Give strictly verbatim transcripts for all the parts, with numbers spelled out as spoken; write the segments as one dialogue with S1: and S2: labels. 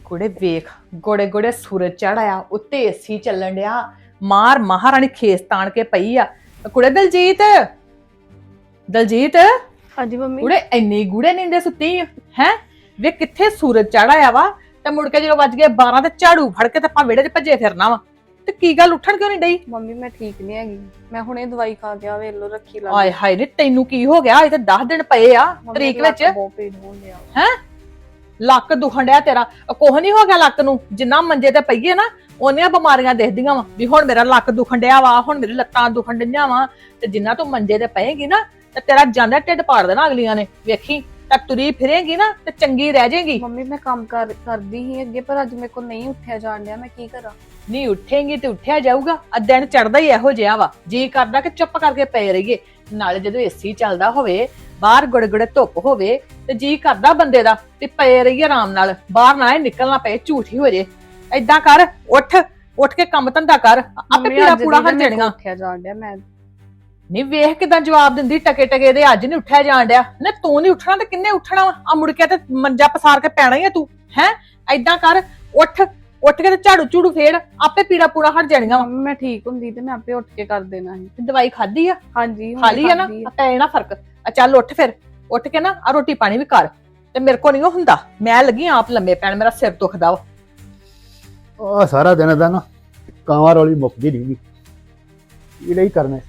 S1: ਕੁੜੇ ਵੇਖ ਗੋੜੇ ਗੋੜੇ ਸੂਰਜ ਚੜਾਇਆ ਉੱਤੇ ਏਸੀ ਚੱਲਣ ਡਿਆ ਮਾਰ ਮਹਾਰਾਣੀ ਖੇਸ ਤਾਣ ਕੇ ਪਈ ਆ ਕੁੜੇ ਦਲਜੀਤ ਦਲਜੀਤ
S2: ਹਾਂਜੀ ਮੰਮੀ
S1: ਕੁੜੇ ਇੰਨੀ ਗੂੜੇ ਨੀਂਦੇ ਸੁੱਤੀ ਹੈ ਵੇ ਕਿੱਥੇ ਸੂਰਜ ਚੜਾਇਆ ਵਾ ਤੇ ਮੁੜ ਕੇ ਜਦੋਂ ਵੱਜ ਗਏ ਬਾਰਾਂ ਤੇ ਝਾੜੂ ਫੜ ਕੇ ਤੇ ਆਪਾਂ ਵਿਹੜੇ 'ਚ ਭੱਜੇ ਫਿਰਨਾ ਵਾ ਤੇ ਕੀ ਗੱਲ ਉੱਠਣ ਕਿਉਂ ਨਹੀਂ ਡਈ
S2: ਮੰਮੀ ਮੈਂ ਠੀਕ ਨਹੀਂ ਹੈਗੀ ਮੈਂ ਹੁਣੇ ਦਵਾਈ ਖਾ ਕੇ ਆ ਵੇਖ ਲੋ ਰੱਖੀ ਲਾ
S1: ਆਏ ਹਾਏ ਨੀ ਤੈਨੂੰ ਕੀ ਹੋ ਗਿਆ ਇਹ ਤੇ ਦਸ ਦਿਨ ਪਏ ਆ ਤਰੀਕ ਵਿੱਚ
S2: ਬਹੁਤ ਪੀੜ ਹੋਣ ਡਿਆ
S1: ਹੈ ਲੱਕ ਦੁਖਣ ਡਿਆ ਤੇਰਾ ਕੋਹ ਨਹੀਂ ਹੋ ਗਿਆ ਲੱਕ ਨੂੰ ਜਿੰਨਾ ਮੰਜੇ ਤੇ ਪਈਏ ਨਾ ਉਹਨੀਆਂ ਬਿਮਾਰੀਆਂ ਦਿਖਦੀਆਂ ਵਾ ਵੀ ਹੁਣ ਮੇਰਾ ਲੱਕ ਦੁਖਣ ਡਿਆ ਵਾ ਹੁਣ ਮੇਰੀ ਲੱਤਾਂ ਦੁਖਣ ਡਈਆਂ ਵਾ ਤੇ ਜਿੰਨਾ ਤੂੰ ਮੰਜੇ ਤੇ ਪਏਗੀ ਨਾ ਤੇ ਤੇਰਾ ਜਾਂਦਾ ਢਿੱਡ ਪਾੜ ਦੇਣਾ ਅਗਲੀਆਂ ਨੇ ਵੇਖੀ ਤਾਂ ਤੁਰੀ ਫਿਰੇਗੀ ਨਾ ਤੇ ਚੰਗੀ ਰਹਿ ਜਾਏਗੀ
S2: ਮੰਮੀ ਮੈਂ ਕੰਮ ਕਰ ਕਰਦੀ ਹੀ ਅੱਗੇ ਪਰ ਅੱਜ ਮੇਰੇ ਕੋਲ ਨਹੀਂ ਉੱਠਿਆ ਜਾਣ ਡਿਆ ਮੈਂ ਕੀ ਕਰਾਂ
S1: ਨਹੀਂ ਉੱਠੇਂਗੀ ਤੇ ਉੱਠਿਆ ਜਾਊਗਾ ਆ ਦਿਨ ਚੜਦਾ ਹੀ ਇਹੋ ਜਿਹਾ ਵਾ ਜੀ ਕਰਦਾ ਕਿ ਚੁੱਪ ਕਰਕੇ ਪਏ ਰਹੀਏ ਨਾਲੇ ਜਦੋਂ ਏਸੀ ਚੱਲਦਾ ਹੋਵੇ ਬਾਹਰ ਗੁੜਗੁੜੇ ਧੁੱਪ ਹੋਵੇ ਤੇ ਜੀ ਕਰਦਾ ਬੰਦੇ ਦਾ ਤੇ ਪਏ ਰਹੀਏ ਆਰਾਮ ਨਾਲ ਬਾਹਰ ਨਾ ਨਿਕਲਣਾ ਪਏ ਝੂਠੀ ਹੋ ਜੇ ਏਦਾਂ ਕਰ ਉੱਠ ਉੱਠ ਕੇ ਕੰਮ ਧੰਦਾ ਕਰ ਆਪੇ ਪੀੜਾ ਪੂੜਾ ਹਟ ਜਾਣੀਆਂ
S2: ਉੱਠਿਆ ਜਾਣ ਡਿਆ ਮੈਂ
S1: ਨਹੀਂ ਵੇਖ ਕਿਦਾਂ ਜਵਾਬ ਦਿੰਦੀ ਟਕੇ ਟਕੇ ਦੇ ਅੱਜ ਨਹੀਂ ਉੱਠਿਆ ਜਾਣ ਡਿਆ ਨਾ ਤੂੰ ਨਹੀਂ ਉੱਠਣਾ ਤੇ ਕਿੰਨੇ ਉੱਠਣਾ ਵਾ ਆ ਮੁੜ ਕੇ ਤੇ ਮੰਜਾ ਪਸਾਰ ਕੇ ਪੈਣਾ ਹੀ ਆ ਤੂੰ ਹੈ ਏਦਾਂ ਕਰ ਉੱਠ ਉੱਠ ਕੇ ਤੇ ਝਾੜੂ ਝੂੜੂ ਫੇਰ ਆਪੇ ਪੀੜਾ ਪੂੜਾ ਹਟ ਜਾਣੀਆਂ ਵਾ
S2: ਮੰਮੀ ਮੈਂ ਠੀਕ ਹੁੰਦੀ ਤੇ ਮੈਂ ਆਪੇ ਉੱਠ ਕੇ ਕਰ ਦੇਣਾ ਸੀ
S1: ਦਵਾਈ ਖਾਧੀ ਆ
S2: ਹਾਂਜੀ
S1: ਖਾ ਲਈ ਆ ਨਾ ਪੈ ਨਾ ਫਰਕ ਆ ਚੱਲ ਉੱਠ ਫਿਰ ਉੱਠ ਕੇ ਨਾ ਆ ਰੋਟੀ ਪਾਣੀ ਵੀ ਕਰ ਤੇ ਮੇਰੇ ਕੋ ਨਹੀਂ ਉਹ ਹੁੰਦਾ ਮੈਂ ਲੱਗੀ ਆਪ ਲੰਮੇ ਪੈਣ ਮੇਰਾ ਸਿਰ ਦੁਖਦਾ ਵਾ
S3: ਉਹ ਸਾਰਾ ਦਿਨ ਦਾ ਨਾ ਕਾਂਵਾਂ ਰੋਲੀ ਮੁੱਕਦੀ ਨਹੀਂ ਇਹ ਲਈ ਕਰਨੇ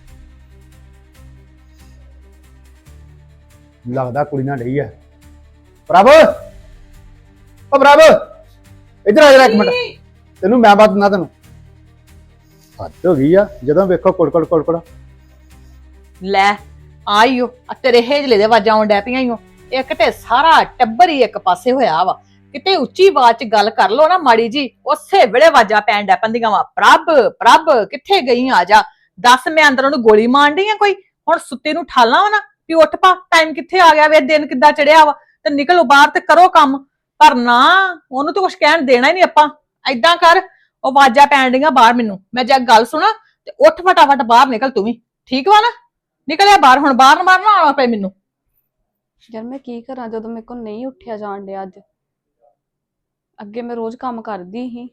S3: ਲੱਗਦਾ ਕੁੜੀ ਨਾਲ ਡਈ ਹੈ ਪ੍ਰਭ ਓ ਪ੍ਰਭ ਇੱਧਰ ਆ ਜਰਾ ਇੱਕ ਮਿੰਟ ਤੈਨੂੰ ਮੈਂ ਬਾਤ ਨਾ ਤੈਨੂੰ ਹੱਦ ਹੋ ਗਈ ਆ ਜਦੋਂ ਵੇਖੋ ਕੁੜਕੜ ਕੁੜਕੜ
S1: ਲੈ ਆਈਓ ਆ ਤੇਰੇ ਹੇਜਲੇ ਦੇ ਆਵਾਜ਼ਾਂ ਆਉਣ ਡੈ ਪਈਆਂ ਈਓ ਇੱਕ ਤੇ ਸਾਰਾ ਟੱਬਰ ਹੀ ਇੱਕ ਪਾਸੇ ਹੋਇਆ ਵਾ ਕਿਤੇ ਉੱਚੀ ਆਵਾਜ਼ 'ਚ ਗੱਲ ਕਰ ਲੋ ਨਾ ਮਾੜੀ ਜੀ ਉਸੇ ਵੇਲੇ ਆਵਾਜ਼ਾਂ ਪੈਣ ਡੈ ਪੈਂਦੀਆਂ ਵਾ ਪ੍ਰਭ ਪ੍ਰਭ ਕਿੱਥੇ ਗਈ ਆ ਜਾ ਦੱਸ ਮੈਂ ਅੰਦਰ ਉਹਨੂੰ ਗੋਲੀ ਮਾਰਨ ਡਈ ਆ ਕੋਈ ਹੁਣ ਸੁੱਤੇ ਨੂੰ ਠਾਲਾਂ ਵਾ ਨਾ ਵੀ ਉੱਠ ਪਾ ਟਾਈਮ ਕਿੱਥੇ ਆ ਗਿਆ ਵੇ ਦਿਨ ਕਿੱਦਾਂ ਚੜਿਆ ਵਾ ਤੇ ਨਿਕਲੋ ਬਾਹਰ ਤੇ ਕਰੋ ਕੰਮ ਪਰ ਨਾ ਉਹਨੂੰ ਤਾਂ ਕੁਝ ਕਹਿਣ ਦੇਣਾ ਹੀ ਨਹੀਂ ਆਪਾਂ ਏਦਾਂ ਕਰ ਉਹ ਆਵਾਜ਼ਾਂ ਪੈਣ ਡੀਆਂ ਬਾਹਰ ਮੈਨੂੰ ਮੈਂ ਜੇ ਗੱਲ ਸੁਣਾ ਤੇ ਉੱਠ ਫਟਾਫਟ ਬਾਹਰ ਨਿਕਲ ਤੂੰ ਵੀ ਠੀਕ ਵਾ ਨਾ ਨਿਕਲਿਆ ਬਾਹਰ ਹੁਣ ਬਾਹਰ ਮਾਰਨਾ ਆਉਣਾ ਪਏ ਮੈਨੂੰ
S2: ਯਾਰ ਮੈਂ ਕੀ ਕਰਾਂ ਜਦੋਂ ਮੇਰੇ ਕੋਲ ਨਹੀਂ ਉੱਠਿਆ ਜਾਣ ਡਿਆ ਅੱਜ ਅੱਗੇ ਮੈਂ ਰੋਜ਼ ਕੰਮ ਕਰਦੀ ਸੀ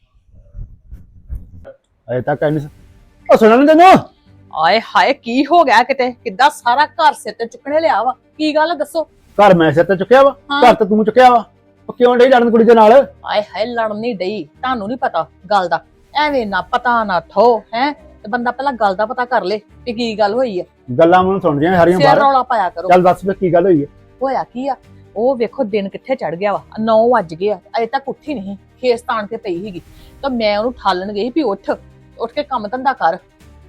S3: ਅਜੇ ਤੱਕ ਐਨੀ ਉਹ ਸੁਣਨ ਨੀ ਤੈਨੂੰ
S1: ਆਏ ਹਾਏ ਕੀ ਹੋ ਗਿਆ ਕਿਤੇ ਕਿੱਦਾਂ ਸਾਰਾ ਘਰ ਸਿਰ ਤੇ ਚੁੱਕਣੇ ਲਿਆ ਵਾ ਕੀ ਗੱਲ ਦੱਸੋ
S3: ਘਰ ਮੈਂ ਸਿਰ ਤੇ ਚੁੱਕਿਆ ਵਾ ਘਰ ਤੇ ਤੂੰ ਚੁੱਕਿਆ ਵਾ ਉਹ ਕਿਉਂ ਡਈ ਲੜਨ ਕੁੜੀ ਦੇ ਨਾਲ
S1: ਆਏ ਹਾਏ ਲੜਨ ਨਹੀਂ ਡਈ ਤੁਹਾਨੂੰ ਨਹੀਂ ਪਤਾ ਗੱਲ ਦਾ ਐਵੇਂ ਨਾ ਪਤਾ ਨਾ ਠੋ ਹੈ ਤੇ ਬੰਦਾ ਪਹਿਲਾਂ ਗੱਲ ਦਾ ਪਤਾ ਕਰ ਲੇ ਕਿ ਕੀ ਗੱਲ ਹੋਈ ਆ
S3: ਗੱਲਾਂ ਮੈਨੂੰ ਸੁਣਦੀਆਂ ਸਾਰੀਆਂ
S1: ਸਿਰ
S3: ਬਾਹਰ
S1: ਰੌਲਾ ਪਾਇਆ ਕਰੋ
S3: ਚੱਲ ਦੱਸ ਵੀ ਕੀ ਗੱਲ ਹੋਈ ਹੈ
S1: ਹੋਇਆ ਕੀ ਆ ਉਹ ਵੇਖੋ ਦਿਨ ਕਿੱਥੇ ਚੜ ਗਿਆ ਵਾ ਨੌ ਵੱਜ ਗਏ ਆ ਅਜੇ ਤੱਕ ਉੱਠੀ ਨਹੀਂ ਖੇਸ ਤਾਣ ਕੇ ਪਈ ਸੀਗੀ ਤਾਂ ਮੈਂ ਉਹਨੂੰ ਠਾਲਣ ਗਈ ਵੀ ਉੱਠ ਉੱਠ ਕੇ ਕੰਮ ਧੰਦਾ ਕਰ